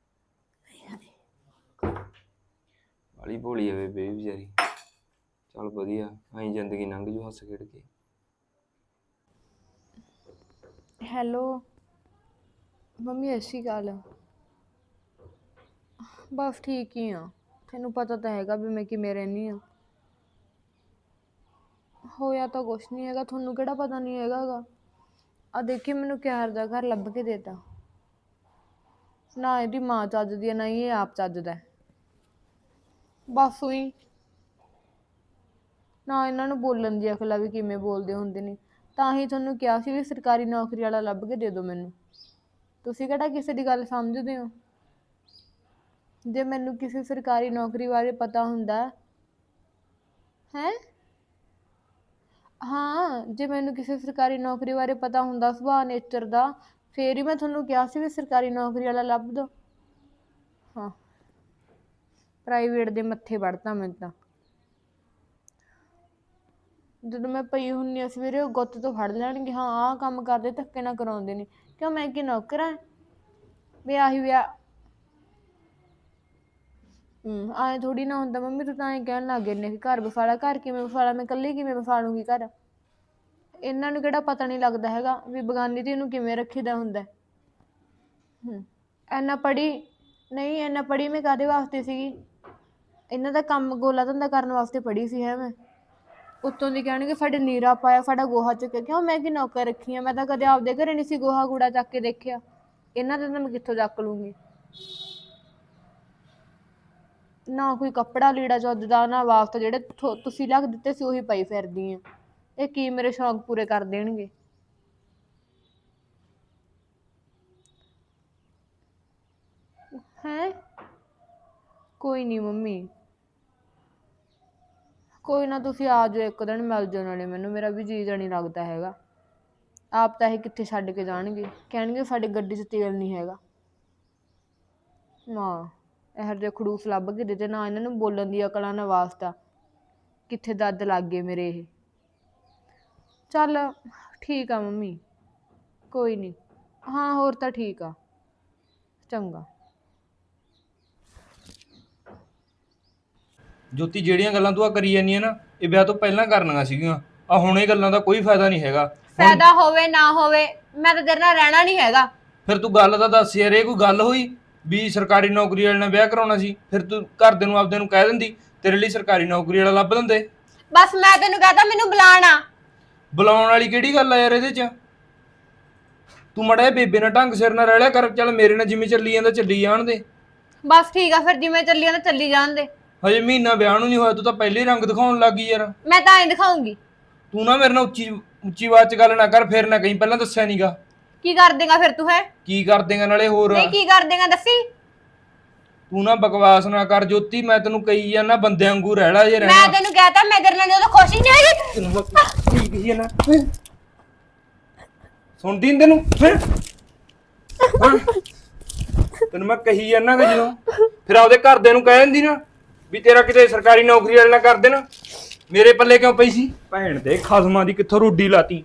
S4: ਵਾਲੀ ਭੋਲੀ ਆ ਬੇਬੇ ਇਹ ਵਿਚਾਰੀ। ਚੱਲ ਵਧੀਆ, ਐਂ ਜ਼ਿੰਦਗੀ ਲੰਘ ਜੂ ਹੱਸ ਖੇਡ ਕੇ।
S3: ਹੈਲੋ ਮੰਮੀ, ਸਤਿ ਸ਼੍ਰੀ ਅਕਾਲ। ਬਸ ਠੀਕ ਹੀ ਆ, ਤੈਨੂੰ ਪਤਾ ਤਾਂ ਹੈਗਾ ਵੀ ਮੈਂ ਕਿਵੇਂ ਰਹਿੰਦੀ ਆ। ਹੋਇਆ ਤਾਂ ਕੁਛ ਨਹੀਂ ਹੈਗਾ, ਤੁਹਾਨੂੰ ਕਿਹੜਾ ਪਤਾ ਨਹੀਂ ਹੈਗਾ ਗਾ। ਆ ਦੇਖੀ ਮੈਨੂੰ ਕਿਹੋ ਦਾ ਘਰ ਲੱਭ ਕੇ ਦੇਤਾ। ਨਾ ਇਹਦੀ ਮਾਂ ਚੱਜਦੀ ਆ, ਨਾ ਹੀ ਇਹ ਆਪ ਚੱਜਦਾ। ਬਸ ਉਹੀ ਨਾ ਇਹਨਾਂ ਨੂੰ ਬੋਲਣ ਦੀ ਅਕਲ ਆ ਵੀ ਕਿਵੇਂ ਬੋਲਦੇ ਹੁੰਦੇ ਨੇ। ਤਾਂ ਹੀ ਤੁਹਾਨੂੰ ਕਿਹਾ ਸੀ ਵੀ ਸਰਕਾਰੀ ਨੌਕਰੀ ਵਾਲਾ ਲੱਭ ਕੇ ਦੇ ਦਿਓ ਮੈਨੂੰ। ਤੁਸੀਂ ਕਿਹੜਾ ਕਿਸੇ ਦੀ ਗੱਲ ਸਮਝਦੇ ਹੋ? ਜੇ ਮੈਨੂੰ ਕਿਸੇ ਸਰਕਾਰੀ ਨੌਕਰੀ ਬਾਰੇ ਪਤਾ ਹੁੰਦਾ ਹੈ, ਹਾਂ ਜੇ ਮੈਨੂੰ ਕਿਸੇ ਸਰਕਾਰੀ ਨੌਕਰੀ ਬਾਰੇ ਪਤਾ ਹੁੰਦਾ ਸੁਭਾਅ ਨੇਚਰ ਦਾ, ਫੇਰ ਹੀ ਮੈਂ ਤੁਹਾਨੂੰ ਕਿਹਾ ਸੀ ਵੀ ਸਰਕਾਰੀ ਨੌਕਰੀ ਵਾਲਾ ਲੱਭ ਦਿਓ। ਹਾਂ ਪ੍ਰਾਈਵੇਟ ਦੇ ਮੱਥੇ ਵੜਤਾ ਮੈਨੂੰ ਤਾਂ। ਜਦੋਂ ਮੈਂ ਪਈ ਹੁੰਦੀ ਆ ਸਵੇਰੇ ਉਹ ਗੁੱਤ ਤੋਂ ਫੜ ਲੈਣਗੇ, ਹਾਂ ਆਹ ਕੰਮ ਕਰਦੇ, ਧੱਕੇ ਨਾਲ ਕਰਾਉਂਦੇ ਨੇ। ਕਿਉਂ ਮੈਂ ਕੀ ਨੌਕਰ ਹਾਂ? ਵਿਆਹ ਹੀ ਵਿਆਹ। ਐਂ ਥੋੜੀ ਨਾ ਹੁੰਦਾ ਮੰਮੀ, ਤੂੰ ਤਾਂ ਐਂ ਕਹਿਣ ਲੱਗ ਗਏ ਨੇ ਕਿ ਘਰ ਵਸਾਲਾ। ਘਰ ਕਿਵੇਂ ਵਸਾਲਾ? ਮੈਂ ਇਕੱਲੀ ਕਿਵੇਂ ਵਸਾ ਲੂੰਗੀ ਘਰ? ਇਹਨਾਂ ਨੂੰ ਕਿਹੜਾ ਪਤਾ ਨਹੀਂ ਲੱਗਦਾ ਹੈਗਾ ਵੀ ਬਗਾਨੀ ਧੀ ਨੂੰ ਕਿਵੇਂ ਰੱਖੀਦਾ ਹੁੰਦਾ। ਇੰਨਾ ਪੜ੍ਹੀ ਨਹੀਂ, ਇੰਨਾ ਪੜ੍ਹੀ ਮੈਂ ਕਾਹਦੇ ਵਾਸਤੇ ਸੀਗੀ? ਇਹਨਾਂ ਦਾ ਕੰਮ ਗੋਲਾ ਧੰਦਾ ਕਰਨ ਵਾਸਤੇ ਪੜ੍ਹੀ ਸੀ ਹੈ ਮੈਂ। ਉੱਤੋਂ ਦੀ ਕਹਿਣਗੇ ਸਾਡੇ ਨੀਰਾ ਪਾਇਆ, ਸਾਡਾ ਗੋਹਾ ਚੁੱਕਿਆ। ਕਿਉਂ ਮੈਂ ਕੀ ਨੌਕਰ ਰੱਖੀ ਆ? ਮੈਂ ਤਾਂ ਕਦੇ ਆਪਦੇ ਘਰੇ ਨਹੀਂ ਸੀ ਗੋਹਾ ਕੂੜਾ ਚੱਕ ਕੇ ਦੇਖਿਆ। ਇਹਨਾਂ ਦਾ ਤਾਂ ਮੈਂ ਕਿੱਥੋਂ ਚੱਕ ਲੂੰਗੀ? ਨਾ ਕੋਈ ਕੱਪੜਾ ਲੀੜਾ ਚੱਜਦਾ, ਨਾ ਵਾਸਤਾ। ਜਿਹੜੇ ਤੁਸੀਂ ਲੱਗ ਦਿੱਤੇ ਸੀ ਉਹੀ ਪਾਈ ਫਿਰਦੀ ਆ। ਇਹ ਕੀ ਮੇਰੇ ਸ਼ੌਂਕ ਪੂਰੇ ਕਰ ਦੇਣਗੇ? ਹੈਂ ਕੋਈ ਨਹੀਂ ਮੰਮੀ, ਕੋਈ ਨਾ ਤੁਸੀਂ ਆ ਜਾਓ ਇੱਕ ਦਿਨ, ਮਿਲ ਜਾਓ ਨਾਲੇ ਮੈਨੂੰ, ਮੇਰਾ ਵੀ ਜੀ ਨਹੀਂ ਲੱਗਦਾ ਹੈਗਾ। ਆਪ ਤਾਂ ਇਹ ਕਿੱਥੇ ਛੱਡ ਕੇ ਜਾਣਗੇ, ਕਹਿਣਗੇ ਸਾਡੇ ਗੱਡੀ 'ਚ ਤੇਲ ਨਹੀਂ ਹੈਗਾ। ਨਾ ਇਹੋ ਜਿਹੇ ਖੜੂਸ ਲੱਭ ਕੇ ਦਿੱਤੇ, ਨਾ ਇਹਨਾਂ ਨੂੰ ਬੋਲਣ ਦੀ ਅਕਲਾਂ ਨਾ ਵਾਸਤਾ, ਕਿੱਥੇ ਦੱਦ ਲੱਗ ਗਏ ਮੇਰੇ ਇਹ। ਚੱਲ ਠੀਕ ਆ ਮੰਮੀ, ਕੋਈ ਨਹੀਂ। ਹਾਂ ਹੋਰ ਤਾਂ ਠੀਕ ਆ, ਚੰਗਾ।
S4: ਜੋਤੀ, ਜਿਹੜੀਆਂ ਗੱਲਾਂ ਤੂੰ ਆ ਕਰੀ ਜਾਂਦੀ ਹੈ ਨਾ, ਇਹ ਵਿਆਹ ਤੋਂ ਪਹਿਲਾਂ ਕਰਨੀਆਂ ਸੀਗੀਆਂ। ਆ ਹੁਣ ਇਹ ਗੱਲਾਂ ਦਾ ਕੋਈ ਫਾਇਦਾ ਨਹੀਂ ਹੈਗਾ।
S3: ਫਾਇਦਾ ਹੋਵੇ ਨਾ ਹੋਵੇ, ਮੈਂ ਤਾਂ ਤੇਰੇ ਨਾਲ ਰਹਿਣਾ ਨਹੀਂ ਹੈਗਾ।
S4: ਫਿਰ ਤੂੰ ਗੱਲ ਤਾਂ ਦੱਸ ਯਾਰ, ਇਹ ਕੋਈ ਗੱਲ ਹੋਈ ਵੀ ਸਰਕਾਰੀ ਨੌਕਰੀ ਵਾਲੇ ਨਾਲ ਵਿਆਹ ਕਰਾਉਣਾ ਸੀ? ਫਿਰ ਤੂੰ ਘਰਦੇ ਨੂੰ ਆਪਦੇ ਨੂੰ ਕਹਿ ਦਿੰਦੀ, ਤੇਰੇ ਲਈ ਸਰਕਾਰੀ ਨੌਕਰੀ ਵਾਲਾ ਲੱਭ ਦਿੰਦੇ।
S3: ਬਸ ਮੈਂ ਤੈਨੂੰ ਕਹਤਾ ਮੈਨੂੰ ਬੁਲਾਣਾ।
S4: ਬੁਲਾਉਣ ਵਾਲੀ ਕਿਹੜੀ ਗੱਲ ਆ ਯਾਰ ਇਹਦੇ 'ਚ? ਤੂੰ ਮੜਾ ਬੇਬੇ ਨਾਲ ਢੰਗ ਸਿਰ ਨਾਲ ਰਹਿ ਲਿਆ ਕਰ। ਚੱਲ ਮੇਰੇ ਨਾਲ ਜਿਵੇਂ ਚੱਲੀ ਜਾਂਦਾ ਚੱਲੀ ਜਾਣ ਦੇ।
S3: ਬਸ ਠੀਕ ਆ, ਫਿਰ ਜਿਵੇਂ ਚੱਲੀ ਜਾਂਦਾ ਚੱਲੀ ਜਾਣ ਦੇ।
S4: ਹਜੇ ਮਹੀਨਾ ਵਿਆਹ ਨੂੰ ਨਹੀਂ ਹੋਇਆ, ਤੂੰ ਤਾਂ ਪਹਿਲੇ ਹੀ ਰੰਗ ਦਿਖਾਉਣ ਲੱਗ ਗਈ ਯਾਰ।
S3: ਮੈਂ ਤਾਂ ਐਂ ਦਿਖਾਉਂਗੀ।
S4: ਤੂੰ ਨਾ ਮੇਰੇ ਨਾਲ ਉੱਚੀ ਆਵਾਜ਼ 'ਚ ਗੱਲ ਨਾ ਕਰ, ਫਿਰ ਨਾ ਕਹੀਂ ਪਹਿਲਾਂ ਦੱਸਿਆ ਨਹੀਂਗਾ।
S3: ਕੀ ਕਰ ਦੇਗਾ ਫਿਰ ਤੂੰ? ਹੈ
S4: ਕੀ ਕਰ ਦੇਗਾ ਨਾਲੇ ਹੋਰ?
S3: ਨਹੀਂ ਕੀ ਕਰ ਦੇਗਾ ਦੱਸੀ।
S4: ਤੂੰ ਨਾ ਬਕਵਾਸ ਨਾ ਕਰ ਜੋਤੀ, ਮੈਂ ਤੈਨੂੰ ਕਹੀ ਜਾਂਦਾ ਬੰਦਿਆਂ ਵਾਂਗੂ ਰਹਿ ਲੈ ਜੇ
S3: ਮੈਂ
S4: ਰਹਿਣਾ।
S3: ਤੈਨੂੰ ਕਹਤਾ ਮੈਂ ਤੇਰੇ ਨਾਲ ਜਦੋਂ ਖੁਸ਼ ਹੀ ਨਹੀਂ ਹੈਗੀ।
S4: ਤੈਨੂੰ ਮੈਂ ਕੀ ਕਹੀ ਜਾਂਦਾ, ਸੁਣਦੀ ਨੀ ਤੈਨੂੰ? ਹੈਂ? ਤੈਨੂੰ ਮੈਂ ਕਹੀ ਜਾਂਦਾ ਕਿ ਜਦੋਂ ਫਿਰ ਆਪਦੇ ਘਰਦਿਆਂ ਨੂੰ ਕਹਿ ਦਿੰਦੀ ਨਾ ਵੀ ਤੇਰਾ ਕਿਤੇ ਸਰਕਾਰੀ ਨੌਕਰੀ ਵਾਲੇ ਨਾਲ ਕਰ ਦੇਣਾ। ਮੇਰੇ ਪੱਲੇ ਕਿਉਂ ਪਈ ਸੀ? ਭੈਣ ਦੇ ਖਸਮਾਂ ਦੀ ਕਿੱਥੋਂ ਰੋਡੀ ਲਾਤੀ।